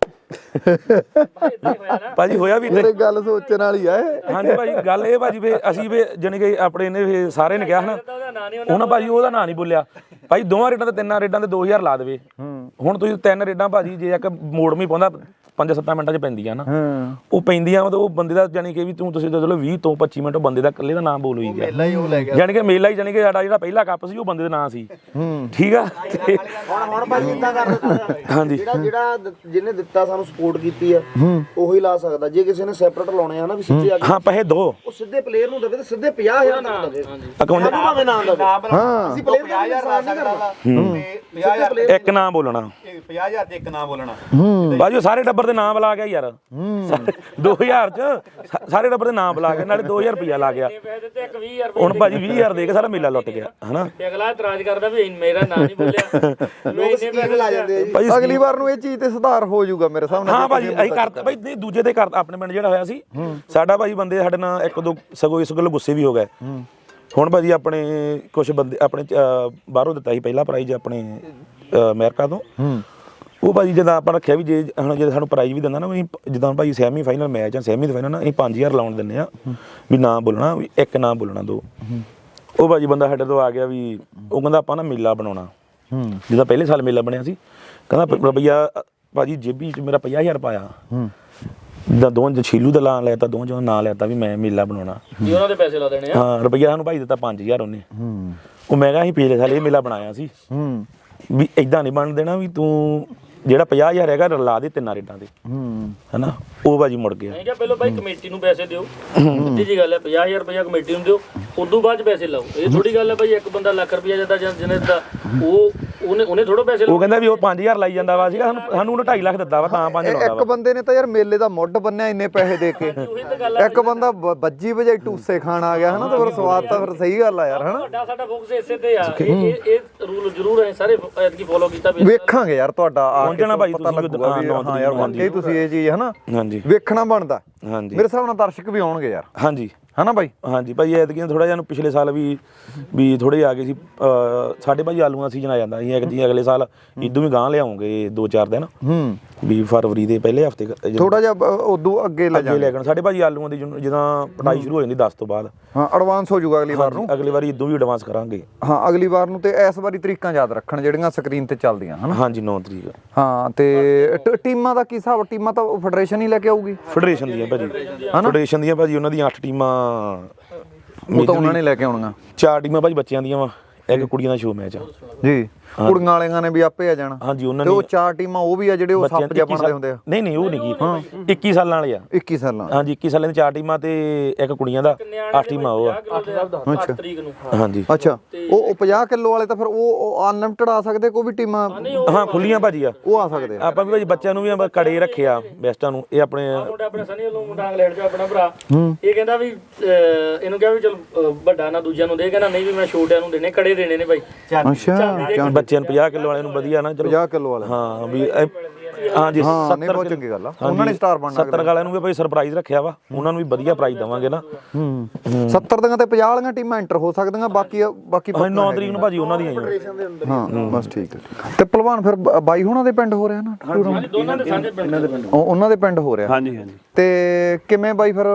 B: ਭਾਜੀ ਹੋਇਆ ਵੀ
A: ਇਹ ਗੱਲ ਸੋਚਣ ਵਾਲੀ ਆ।
B: ਹਾਂਜੀ ਭਾਜੀ ਗੱਲ ਇਹ ਭਾਜੀ ਵੀ ਅਸੀਂ ਵੀ ਜਾਣੀ ਕਿ ਆਪਣੇ ਨੇ ਸਾਰੇ ਨੇ ਕਿਹਾ ਨਾ ਉਹਨਾਂ ਭਾਜੀ ਉਹਦਾ ਨਾਂ ਨਹੀਂ ਬੋਲਿਆ ਭਾਈ ਦੋਵਾਂ ਰੇਡਾਂ ਤੇ ਤਿੰਨਾਂ ਰੇਡਾਂ ਤੇ 2000 ਲਾ ਦੇਵੇ। ਹੁਣ ਤੁਸੀਂ 3 ਰੇਡਾਂ ਭਾਜੀ ਜੇ ਇੱਕ ਮੋੜ ਵੀ ਪਾਉਂਦਾ 5-7 ਮਿੰਟਾਂ 'ਚ ਪੈਂਦੀਆਂ ਨਾ ਉਹ ਪੈਂਦੀਆਂ ਮਤਲਬ ਉਹ ਬੰਦੇ ਦਾ ਜਾਣੀ ਕਿ ਵੀ ਤੁਸੀਂ ਚਲੋ 20 ਤੋਂ 25 ਮਿੰਟ ਬੰਦੇ ਦਾ ਇਕੱਲੇ ਦਾ ਨਾਮ ਬੋਲ ਹੋਈ ਗਿਆ ਜਾਣੀ ਕਿ ਮੇਲਾ ਹੀ ਜਾਣੀ ਕਿ ਸਾਡਾ ਜਿਹੜਾ ਪਹਿਲਾ ਕੱਪ ਸੀ ਉਹ ਬੰਦੇ ਦਾ ਨਾਂ ਸੀ ਠੀਕ ਆ।
C: ਹੁਣ ਭਾਜੀ ਇਦਾਂ ਕਰ ਦਿੱਤਾ
B: ਹਾਂਜੀ
C: ਜਿਹੜਾ ਜਿਹਨੇ ਦਿੱਤਾ ਸਾਨੂੰ ਸਪੋਰਟ ਕੀਤੀ ਆ ਉਹੀ ਲਾ ਸਕਦਾ। ਜੇ ਕਿਸੇ ਨੇ ਸੈਪਰੇਟ ਲਾਉਣੇ ਆ ਨਾ ਵੀ ਸਿੱਧੇ ਆ
B: ਹਾਂ ਪੈਸੇ ਦੋ
C: ਉਹ ਸਿੱਧੇ ਪਲੇਅਰ ਨੂੰ ਦੇਵੇ ਤੇ ਸਿੱਧੇ 50000 ਤੱਕ ਦੇਵੇ
B: ਅਕਾਊਂਟ
C: ਭਾਵੇਂ ਨਾ ਦੇਵੇ।
A: ਹਾਂ
C: ਅਸੀਂ ਪਲੇਅਰ 50000 ਲਾ ਸਕਦਾ ਤੇ
B: ਇੱਕ ਨਾਮ ਬੋਲਣਾ
F: 50000 ਤੇ ਇੱਕ ਨਾਮ ਬੋਲਣਾ
B: ਬਾਜੀ ਸਾਰੇ ਟੱਬਰ ਦੇ ਨਾਮ ਬੁਲਾ ਗਿਆ ਯਾਰ 2000 ਚ ਸਾਰੇ ਟੱਬਰ ਦੇ ਨਾਮ ਬੁਲਾ ਕੇ ਨਾਲੇ 2000 ਰੁਪਇਆ ਲਾ ਗਿਆ। ਹੁਣ ਭਾਜੀ 20000 ਦੇ ਕੇ ਸਾਰਾ ਮੇਲਾ ਲੁੱਟ ਗਿਆ ਹਨਾ।
D: ਅਗਲਾ ਇਤਰਾਜ਼ ਕਰਦਾ ਵੀ ਮੇਰਾ ਨਾਮ ਨਹੀਂ ਬੋਲਿਆ
C: ਲੋਕ ਸਕੀਮ ਲਾ ਜਾਂਦੇ ਆ ਜੀ।
B: ਭਾਜੀ
A: ਅਗਲੀ ਵਾਰ ਨੂੰ ਇਹ ਚੀਜ਼ ਤੇ ਸੁਧਾਰ ਹੋ ਜਾਊਗਾ ਮੇਰੇ ਹਿਸਾਬ ਨਾਲ।
B: ਹਾਂ ਭਾਜੀ ਅਸੀਂ ਕਰਤਾ ਭਾਈ ਨਹੀਂ ਦੂਜੇ ਦੇ ਕਰਤਾ ਆਪਣੇ ਪਿੰਡ ਜਿਹੜਾ ਹੋਇਆ ਸੀ ਸਾਡਾ ਭਾਜੀ ਬੰਦੇ ਸਾਡੇ ਨਾਲ ਇੱਕ ਦੋ ਸਗੋਂ ਇਸ ਗੱਲ ਗੁੱਸੇ ਵੀ ਹੋ ਗਏ। ਹੁਣ ਭਾਜੀ ਆਪਣੇ ਕੁਝ ਬੰਦੇ ਆਪਣੇ ਬਾਹਰੋਂ ਦਿੱਤਾ ਸੀ ਪਹਿਲਾ ਪ੍ਰਾਈਜ਼ ਆਪਣੇ ਅਮਰੀਕਾ ਤੋਂ ਉਹ ਭਾਜੀ ਜਦੋਂ ਆਪਾਂ ਰੱਖਿਆ ਵੀ ਜੇ ਹੁਣ ਜੇ ਸਾਨੂੰ ਪ੍ਰਾਈਜ਼ ਵੀ ਦਿੰਦਾ ਨਾ ਅਸੀਂ ਜਿੱਦਾਂ ਭਾਜੀ ਸੈਮੀ ਫਾਈਨਲ ਮੈਚ ਆ ਸੈਮੀ ਫਾਈਨਲ ਨਾ ਅਸੀਂ 5000 ਲਾਉਣ ਦਿੰਦੇ ਆ ਵੀ ਨਾ ਬੋਲਣਾ ਵੀ ਇੱਕ ਨਾ ਬੋਲਣਾ ਦੋ। ਉਹ ਭਾਜੀ ਬੰਦਾ ਸਾਡੇ ਤੋਂ ਆ ਗਿਆ ਵੀ ਉਹ ਕਹਿੰਦਾ ਆਪਾਂ ਨਾ ਮੇਲਾ ਬਣਾਉਣਾ ਜਿੱਦਾਂ ਪਹਿਲੇ ਸਾਲ ਮੇਲਾ ਬਣਿਆ ਸੀ ਕਹਿੰਦਾ ਰੁਪਈਆ ਭਾਜੀ ਜੇਬੀ 'ਚ ਮੇਰਾ 50000 ਪਾਇਆ ਜਿੱਦਾਂ ਦੋਵਾਂ ਛੀਲੂ ਦਾ ਨਾਂ ਲੈਤਾ ਦੋਵਾਂ ਚੋਂ ਨਾਂ ਲੈਤਾ ਵੀ ਮੈਂ ਮੇਲਾ ਬਣਾਉਣਾ
D: ਜੀ ਉਹਨਾਂ ਦੇ ਪੈਸੇ ਲਾ ਦੇਣੇ ਆ।
B: ਹਾਂ ਰੁਪਈਆ ਸਾਨੂੰ ਭਾਈ ਦਿੱਤਾ 5000 ਉਹਨੇ ਉਹ ਮੈਂ ਕਿਹਾ ਅਸੀਂ ਪਿਛਲੇ ਸਾਲ ਇਹ ਮੇਲਾ ਬਣਾਇਆ ਸੀ ਵੀ ਇਦਾਂ ਨਹੀਂ ਬਣ ਦੇਣਾ ਵੀ ਤੂੰ ਜਿਹੜਾ 50000 ਹੈਗਾ ਲਾ ਦੇ ਤਿੰਨਾਂ ਰੇਡਾਂ ਤੇ ਹਨਾ। ਉਹ ਬਾਜੀ ਮੁੜ ਗਿਆ।
D: ਮੈਂ ਕਿਹਾ ਪਹਿਲਾਂ ਭਾਈ ਕਮੇਟੀ ਨੂੰ ਪੈਸੇ ਦਿਓ ਸਿੱਧੀ ਜੀ ਗੱਲ ਹੈ 50000 ਰੁਪਇਆ ਕਮੇਟੀ ਨੂੰ ਦਿਓ ਉਦੋਂ ਬਾਅਦ ਚ ਪੈਸੇ ਲਾਓ। ਇਹ ਥੋੜੀ ਗੱਲ ਹੈ ਭਾਈ ਇੱਕ ਬੰਦਾ ਲੱਖ ਰੁਪਇਆ ਦਿੰਦਾ ਜਾਂ ਜਿਹਨੇ ਦਾ ਉਹਨੇ ਥੋੜਾ ਪੈਸੇ
B: ਉਹ ਕਹਿੰਦਾ ਵੀ ਉਹ 5000 ਲਾਈ ਜਾਂਦਾ ਵਾ ਸੀਗਾ ਸਾਨੂੰ ਉਹਨੇ 2.5 ਲੱਖ ਦਿੱਤਾ ਵਾ ਤਾਂ 5 ਲਾਉਂਦਾ
A: ਇੱਕ ਬੰਦੇ ਨੇ ਤਾਂ ਯਾਰ ਮੇਲੇ ਦਾ ਮੁੱਢ ਬੰਨਿਆ ਇੰਨੇ ਪੈਸੇ ਦੇ ਕੇ, ਇੱਕ ਬੰਦਾ ਬੱਜੀ ਵਜਾਈ ਟੂਸੇ ਖਾਣ ਆ ਗਿਆ ਹਨਾ, ਤਾਂ ਫਿਰ ਸਵਾਦ ਤਾਂ ਫਿਰ ਸਹੀ ਗੱਲ ਆ ਯਾਰ ਹਨਾ।
D: ਵੱਡਾ ਸਾਡਾ ਫੋਕਸ ਇਸੇ ਤੇ ਆ, ਇਹ ਰੂਲ ਜ਼ਰੂਰ ਹੈ ਸਾਰੇ ਐਤਕੀ ਫੋਲੋ ਕੀਤਾ ਵੀ
A: ਵੇਖਾਂਗੇ ਯਾਰ ਤੁਹਾਡਾ ਆ ਕੇ
B: ਪਹੁੰਚਣਾ ਭਾਈ
A: ਪਤਾ
B: ਤੁਸੀਂ
A: ਲੱਗੂਗਾ ਵੀ ਹਾਂ ਯਾਰ ਵਾਕਈ ਤੁਸੀਂ ਇਹ ਚੀਜ਼ ਹਨਾ
B: ਹਾਂਜੀ
A: ਵੇਖਣਾ ਬਣਦਾ।
B: ਹਾਂਜੀ
A: ਮੇਰੇ ਹਿਸਾਬ ਨਾਲ ਦਰਸ਼ਕ ਵੀ ਆਉਣਗੇ ਯਾਰ
B: ਹਾਂਜੀ
A: ਹਨਾ ਬਾਈ।
B: ਹਾਂਜੀ ਭਾਈ ਐਤਕੀ ਥੋੜਾ ਜਿਹਾ ਪਿਛਲੇ ਸਾਲ ਵੀ ਥੋੜੇ ਆ ਗਏ ਸੀ ਸਾਡੇ ਭਾਈ ਆਲੂਆਂ ਦਾ ਸੀਜ਼ਨ ਆ ਜਾਂਦਾ ਸੀ ਐਤਕੀ ਅਗਲੇ ਸਾਲ ਇਦੋਂ ਵੀ ਗਾਂ ਲਿਆਉਂਗੇ 2-4 ਦਿਨ ਵੀ ਫਰਵਰੀ ਦੇ ਪਹਿਲੇ ਹਫਤੇ
A: ਥੋੜਾ ਜਿਹਾ ਉਦੋਂ ਅੱਗੇ ਲੈ
B: ਅੱਗੇ ਲੈ ਕੇ ਸਾਡੇ ਭਾਜੀ ਆਲੂਆਂ ਦੀ ਜਦੋਂ ਪਟਾਈ ਸ਼ੁਰੂ ਹੋ ਜਾਂਦੀ 10 ਤੋਂ ਬਾਅਦ
A: ਹਾਂ ਐਡਵਾਂਸ ਹੋ ਜਾਊਗਾ ਅਗਲੀ ਵਾਰ ਨੂੰ।
B: ਅਗਲੀ ਵਾਰੀ ਇਦੋਂ ਵੀ ਐਡਵਾਂਸ ਕਰਾਂਗੇ
A: ਹਾਂ ਅਗਲੀ ਵਾਰ ਨੂੰ। ਤੇ ਇਸ ਵਾਰੀ ਤਰੀਕਾਂ ਯਾਦ ਰੱਖਣ ਜਿਹੜੀਆਂ ਸਕਰੀਨ ਤੇ ਚੱਲਦੀਆਂ ਹਨਾ।
B: ਹਾਂਜੀ 9 ਤਰੀਕ
A: ਹਾਂ ਤੇ ਟੀਮਾਂ ਦਾ ਕੀ ਹਿਸਾਬ? ਟੀਮਾਂ ਤਾਂ ਫੈਡਰੇਸ਼ਨ ਹੀ ਲੈ ਕੇ ਆਊਗੀ
B: ਫੈਡਰੇਸ਼ਨ ਦੀਆਂ ਭਾਜੀ ਫੈਡਰੇਸ਼ਨ ਦੀਆਂ ਭਾਜੀ ਉਹਨਾਂ ਦੀਆਂ 8 ਟੀਮਾਂ
A: ਉਹ ਤਾਂ ਉਹਨਾਂ ਨੇ ਲੈ ਕੇ ਆਉਣੀਆਂ।
B: 4 ਟੀਮਾਂ ਭਾਜੀ ਬੱਚਿਆਂ ਦੀਆਂ ਵਾ ਇੱਕ ਕੁੜੀਆਂ ਦਾ ਸ਼ੋਅ ਮੈਚ ਆ
A: ਜੀ ਕੁੜੀਆਂ ਵਾਲਿਆਂ ਨੇ ਵੀ ਆਪੇ ਆ ਜਾਣਾ।
B: ਹਾਂਜੀ ਉਹਨਾਂ
A: ਤੇ
B: ਨੇ
A: ਉਹ 4 ਟੀਮਾਂ ਉਹ ਵੀ ਆ ਜਿਹੜੇ ਉਹ ਸੱਪ ਜਿਹਾ ਬਣਦੇ ਹੁੰਦੇ ਆ।
B: ਨਹੀਂ ਉਹ ਨਹੀਂ ਕੀ 21 ਸਾਲਾਂ ਵਾਲੇ ਆ
A: 21 ਸਾਲਾਂ
B: ਹਾਂਜੀ 21 ਸਾਲਾਂ ਦੀਆਂ 4 ਟੀਮਾਂ ਤੇ ਇੱਕ ਕੁੜੀਆਂ ਦਾ 8 ਟੀਮਾਂ ਉਹ ਆ
D: 8 ਤਰੀਕ ਨੂੰ
B: ਹਾਂਜੀ
A: ਅੱਛਾ ਉਹ 50 ਕਿਲੋ ਵਾਲੇ ਤਾਂ ਫਿਰ ਉਹ ਅਨਲਿਮਟਿਡ ਆ ਸਕਦੇ, ਕੋਈ ਵੀ ਟੀਮਾਂ
B: ਹਾਂ ਖੁੱਲੀਆਂ ਭਾਜੀ ਆ
A: ਉਹ ਆ ਸਕਦੇ ਆ।
B: ਆਪਾਂ ਵੀ ਭਾਜੀ ਬੱਚਿਆਂ ਨੂੰ ਵੀ ਕੜੇ ਰੱਖਿਆ ਬੈਸਟਾਂ ਨੂੰ ਇਹ ਆਪਣੇ
D: ਮੁੰਡਾ ਆਪਣੇ ਸਨੀ ਵੱਲੋਂ ਮੁੰਡਾ ਇੰਗਲੈਂਡ ਚੋਂ ਆਪਣਾ ਭਰਾ ਇਹ ਕਹਿੰਦਾ ਵੀ ਇਹਨੂੰ ਕਿਹਾ ਵੀ ਚਲ ਵੱਡਾ ਨਾ ਦੂਜਿਆਂ ਨੂੰ ਦੇ, ਕਹਿੰਦਾ ਨਹੀਂ ਵੀ ਮੈਂ ਛੋਟਿਆਂ ਨੂੰ ਦੇਣੇ, ਕੜੇ ਦੇਣੇ ਨੇ ਭਾਈ।
A: ਅੱਛਾ
B: ਬੱਚਿਆਂ ਨੂੰ 50 ਕਿਲੋ ਵਾਲੇ ਨੂੰ ਵਧੀਆ ਨਾ ਚਲੋ
A: 50 ਕਿਲੋ ਵਾਲੇ
B: ਹਾਂ ਵੀ ਹਾਂਜੀ
A: ਹਾਂ ਨਹੀਂ ਬਹੁਤ ਚੰਗੀ ਗੱਲ ਆ। ਉਹਨਾਂ ਨੇ ਸਟਾਰ ਬਣਨਾ
B: 70 ਵਾਲਿਆਂ ਨੂੰ ਵੀ ਭਾਈ ਸਰਪ੍ਰਾਈਜ਼ ਰੱਖਿਆ ਵਾ, ਉਹਨਾਂ ਨੂੰ ਵੀ ਵਧੀਆ ਪ੍ਰਾਈਜ਼ ਦੇਵਾਂਗੇ ਨਾ।
A: 70 ਦੀਆਂ ਤੇ 50 ਵਾਲੀਆਂ ਟੀਮਾਂ ਐਂਟਰ ਹੋ ਸਕਦੀਆਂ, ਬਾਕੀ
B: 9 ਤਰੀਕ ਨੂੰ ਭਾਜੀ ਉਹਨਾਂ ਦੀਆਂ
A: ਹਾਂ ਬਸ ਠੀਕ ਹੈ। ਤੇ ਪਹਿਲਵਾਨ ਫਿਰ ਬਾਈ ਹੁਣਾਂ ਦੇ ਪਿੰਡ ਹੋ ਰਿਹਾ ਨਾ
D: ਦੋਨਾਂ ਦੇ ਸਾਂਝੇ ਪਿੰਡ ਦੇ
A: ਉਹਨਾਂ ਦੇ ਪਿੰਡ ਹੋ ਰਿਹਾ।
G: ਹਾਂਜੀ ਹਾਂਜੀ।
A: ਤੇ ਕਿਵੇਂ ਬਾਈ ਫਿਰ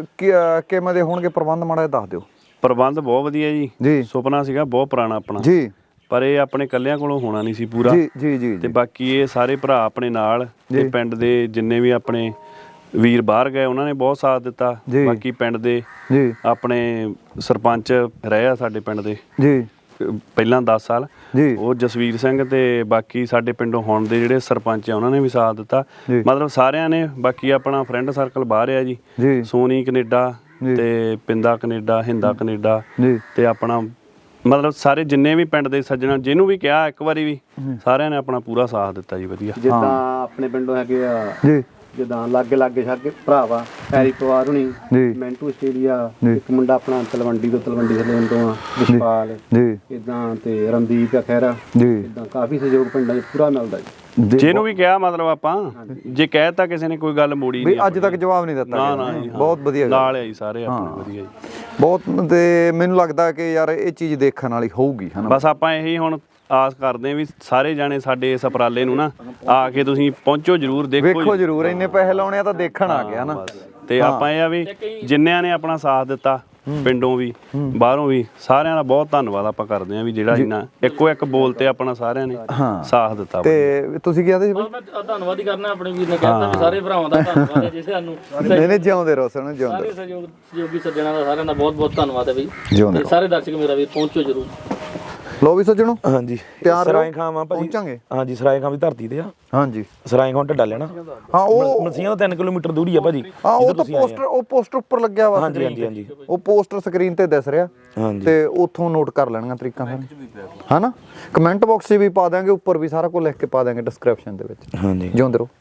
A: ਕਿਵੇਂ ਦੇ ਹੋਣਗੇ ਪ੍ਰਬੰਧ ਮਾੜਾ ਜਿਹਾ ਦੱਸ ਦਿਓ।
G: ਪ੍ਰਬੰਧ ਬਹੁਤ ਵਧੀਆ
A: ਜੀ।
G: ਜੀ, ਸੁਪਨਾ ਸੀਗਾ ਬਹੁਤ ਪੁਰਾਣਾ ਆਪਣਾ
A: ਜੀ,
G: ਪਰ ਇਹ ਆਪਣੇ ਕੱਲਿਆਂ ਕੋਲੋਂ ਹੋਣਾ ਨਹੀਂ ਸੀ ਪੂਰਾ।
A: ਜੀ ਜੀ ਜੀ
G: ਤੇ ਬਾਕੀ ਇਹ ਸਾਰੇ ਭਰਾ ਆਪਣੇ ਨਾਲ ਤੇ ਪਿੰਡ ਦੇ ਜਿੰਨੇ ਵੀ ਆਪਣੇ ਵੀਰ ਬਾਹਰ ਗਏ ਉਹਨਾਂ ਨੇ ਬਹੁਤ ਸਾਥ ਦਿੱਤਾ। ਬਾਕੀ ਪਿੰਡ ਦੇ
A: ਜੀ
G: ਆਪਣੇ ਸਰਪੰਚ ਰਹੇ ਆ ਸਾਡੇ ਪਿੰਡ ਦੇ
A: ਜੀ
G: ਪਹਿਲਾਂ 10 ਸਾਲ
A: ਜੀ
G: ਉਹ ਜਸਵੀਰ ਸਿੰਘ ਤੇ ਬਾਕੀ ਸਾਡੇ ਪਿੰਡੋਂ ਹੁਣ ਦੇ ਜਿਹੜੇ ਸਰਪੰਚ ਆ ਉਹਨਾਂ ਨੇ ਵੀ ਸਾਥ ਦਿੱਤਾ। ਮਤਲਬ ਸਾਰਿਆਂ ਨੇ। ਬਾਕੀ ਆਪਣਾ ਫਰੈਂਡ ਸਰਕਲ ਬਾਹਰ ਆ ਜੀ, ਸੋਨੀ ਕੈਨੇਡਾ ਤੇ ਪਿੰਦਾ ਕੈਨੇਡਾ, ਹਿੰਦਾ ਕੈਨੇਡਾ ਤੇ ਆਪਣਾ ਮਤਲਬ ਸਾਰੇ ਜਿੰਨੇ ਵੀ ਪਿੰਡ ਦੇ ਸੱਜਣਾ ਜਿਹਨੂੰ ਵੀ ਕਿਹਾ ਇੱਕ ਵਾਰੀ ਵੀ ਸਾਰਿਆਂ ਨੇ ਆਪਣਾ ਪੂਰਾ ਸਾਥ ਦਿੱਤਾ ਜੀ ਵਧੀਆ।
F: ਜਿੱਦਾਂ ਆਪਣੇ ਪਿੰਡੋਂ ਹੈਗੇ ਆ
A: ਜੀ
F: ਜਿੱਦਾਂ ਲਾਗੇ ਸਾਡੇ ਭਰਾ ਵਾ ਹੈਰੀ ਪਵਾਰ ਹੁਣੀ, ਮੈਂਟੂ ਆਸਟ੍ਰੇਲੀਆ, ਇੱਕ ਮੁੰਡਾ ਆਪਣਾ ਤਲਵੰਡੀ ਤੋਂ ਆ ਵਿਸ਼ਪਾਲ
A: ਜੀ
F: ਇਦਾਂ ਤੇ ਰਣਦੀਪ ਆ ਖੈਰਾ
A: ਜੀ
F: ਇਦਾਂ ਕਾਫੀ ਸਹਿਯੋਗ ਪਿੰਡਾਂ 'ਚ ਪੂਰਾ ਮਿਲਦਾ ਜੀ।
G: ਜਿਹਨੂੰ ਵੀ ਕਿਹਾ ਮਤਲਬ ਆਪਾਂ ਜੇ ਕਹਿਤਾ ਕਿਸੇ ਨੇ ਕੋਈ ਗੱਲ ਮੋੜੀ
A: ਵੀ
G: ਨਹੀਂ
A: ਅੱਜ ਤੱਕ ਜਵਾਬ ਨਹੀਂ ਦਿੱਤਾ।
G: ਨਾ ਜੀ
A: ਬਹੁਤ ਵਧੀਆ
G: ਨਾਲ ਆ ਜੀ ਸਾਰੇ ਆਪਣੇ ਵਧੀਆ ਜੀ
A: ਬਹੁਤ। ਤੇ ਮੈਨੂੰ ਲੱਗਦਾ ਕਿ ਯਾਰ ਇਹ ਚੀਜ਼ ਦੇਖਣ ਵਾਲੀ ਹੋਊਗੀ ਹਨਾ।
G: ਬਸ ਆਪਾਂ ਇਹੀ ਹੁਣ ਆਸ ਕਰਦੇ ਵੀ ਸਾਰੇ ਜਾਣੇ ਸਾਡੇ ਇਸ ਉਪਰਾਲੇ ਨੂੰ ਨਾ ਆ ਕੇ ਤੁਸੀਂ ਪਹੁੰਚੋ ਜਰੂਰ,
A: ਵੇਖੋ ਜਰੂਰ। ਇੰਨੇ ਪੈਸੇ ਲਾਉਣੇ ਆ ਤਾਂ ਦੇਖਣ ਆ ਗਿਆ ਨਾ।
G: ਤੇ ਆਪਾਂ ਇਹ ਆ ਵੀ ਜਿੰਨਿਆਂ ਨੇ ਆਪਣਾ ਸਾਥ ਦਿੱਤਾ ਪਿੰਡੋਂ ਵੀ ਬਾਹਰੋਂ ਵੀ ਸਾਰਿਆਂ ਦਾ ਬਹੁਤ ਧੰਨਵਾਦ ਆਪਾਂ ਕਰਦੇ ਆ ਵੀ ਜਿਹੜਾ ਇਹਨਾਂ ਇੱਕੋ ਇੱਕ ਬੋਲ ਤੇ ਆਪਣਾ ਸਾਰਿਆਂ ਨੇ ਸਾਥ ਦਿੱਤਾ।
A: ਤੇ ਤੁਸੀਂ ਕੀ ਆਖਦੇ ਸੀ?
D: ਮੈਂ ਧੰਨਵਾਦ ਹੀ ਕਰਨਾ ਆਪਣੇ ਵੀਰ ਨੇ ਕਹਿਤਾ ਵੀ ਸਾਰੇ ਭਰਾਵਾਂ ਦਾ ਧੰਨਵਾਦ ਹੈ ਜਿਸੇ ਸਾਨੂੰ
A: ਨਹੀਂ ਜਿਉਂਦੇ ਰਹੋ ਸਾਨੂੰ ਜਿਉਂਦੇ
D: ਸਾਰੇ ਸਹਿਯੋਗੀ ਸੱਜਣਾ ਦਾ ਸਾਰਿਆਂ ਦਾ ਬਹੁਤ ਬਹੁਤ ਧੰਨਵਾਦ ਹੈ ਬਈ।
A: ਜਿਉਂਦੇ
D: ਸਾਰੇ ਦਰਸ਼ਕ ਮੇਰਾ ਵੀਰ ਪਹੁੰਚੋ ਜਰੂਰ।
A: ਲੋ ਵੀ ਸੱਜਣੋ
B: ਹਾਂਜੀ
A: ਤਿਆਰ
B: ਸਰਾਏ ਖਾਂ ਭਾਜੀ
A: ਪਹੁੰਚਾਂਗੇ।
B: ਹਾਂਜੀ ਸਰਾਏ ਖਾਂ ਦੀ ਧਰਤੀ ਤੇ ਆ।
A: ਹਾਂਜੀ
B: ਸਰਾਏ ਖਾਂ ਢੱਡਾ ਲੈਣਾ।
A: ਹਾਂ ਉਹ
B: ਮਸੀਆਂ ਤੋਂ 3 ਕਿਲੋਮੀਟਰ ਦੂਰੀ ਆ ਭਾਜੀ।
A: ਹਾਂ ਉਹ ਤਾਂ ਪੋਸਟਰ ਉੱਪਰ ਲੱਗਿਆ ਵਾ।
B: ਹਾਂਜੀ ਹਾਂਜੀ ਹਾਂਜੀ
A: ਉਹ ਪੋਸਟਰ ਸਕਰੀਨ ਤੇ ਦਿਸ ਰਿਹਾ ਤੇ ਉੱਥੋਂ ਨੋਟ ਕਰ ਲੈਣੀਆਂ ਤਰੀਕਾਂ ਸਾਰੀਆਂ ਹਨਾ। ਕਮੈਂਟ ਬਾਕਸ 'ਚ ਵੀ ਪਾ ਦਾਂਗੇ, ਉੱਪਰ ਵੀ ਸਾਰਾ ਕੁਝ ਲਿਖ ਕੇ ਪਾ ਦਾਂਗੇ ਡਿਸਕ੍ਰਿਪਸ਼ਨ ਦੇ ਵਿੱਚ।
B: ਹਾਂਜੀ
A: ਜਿਉਂਦੇ ਰਹੋ।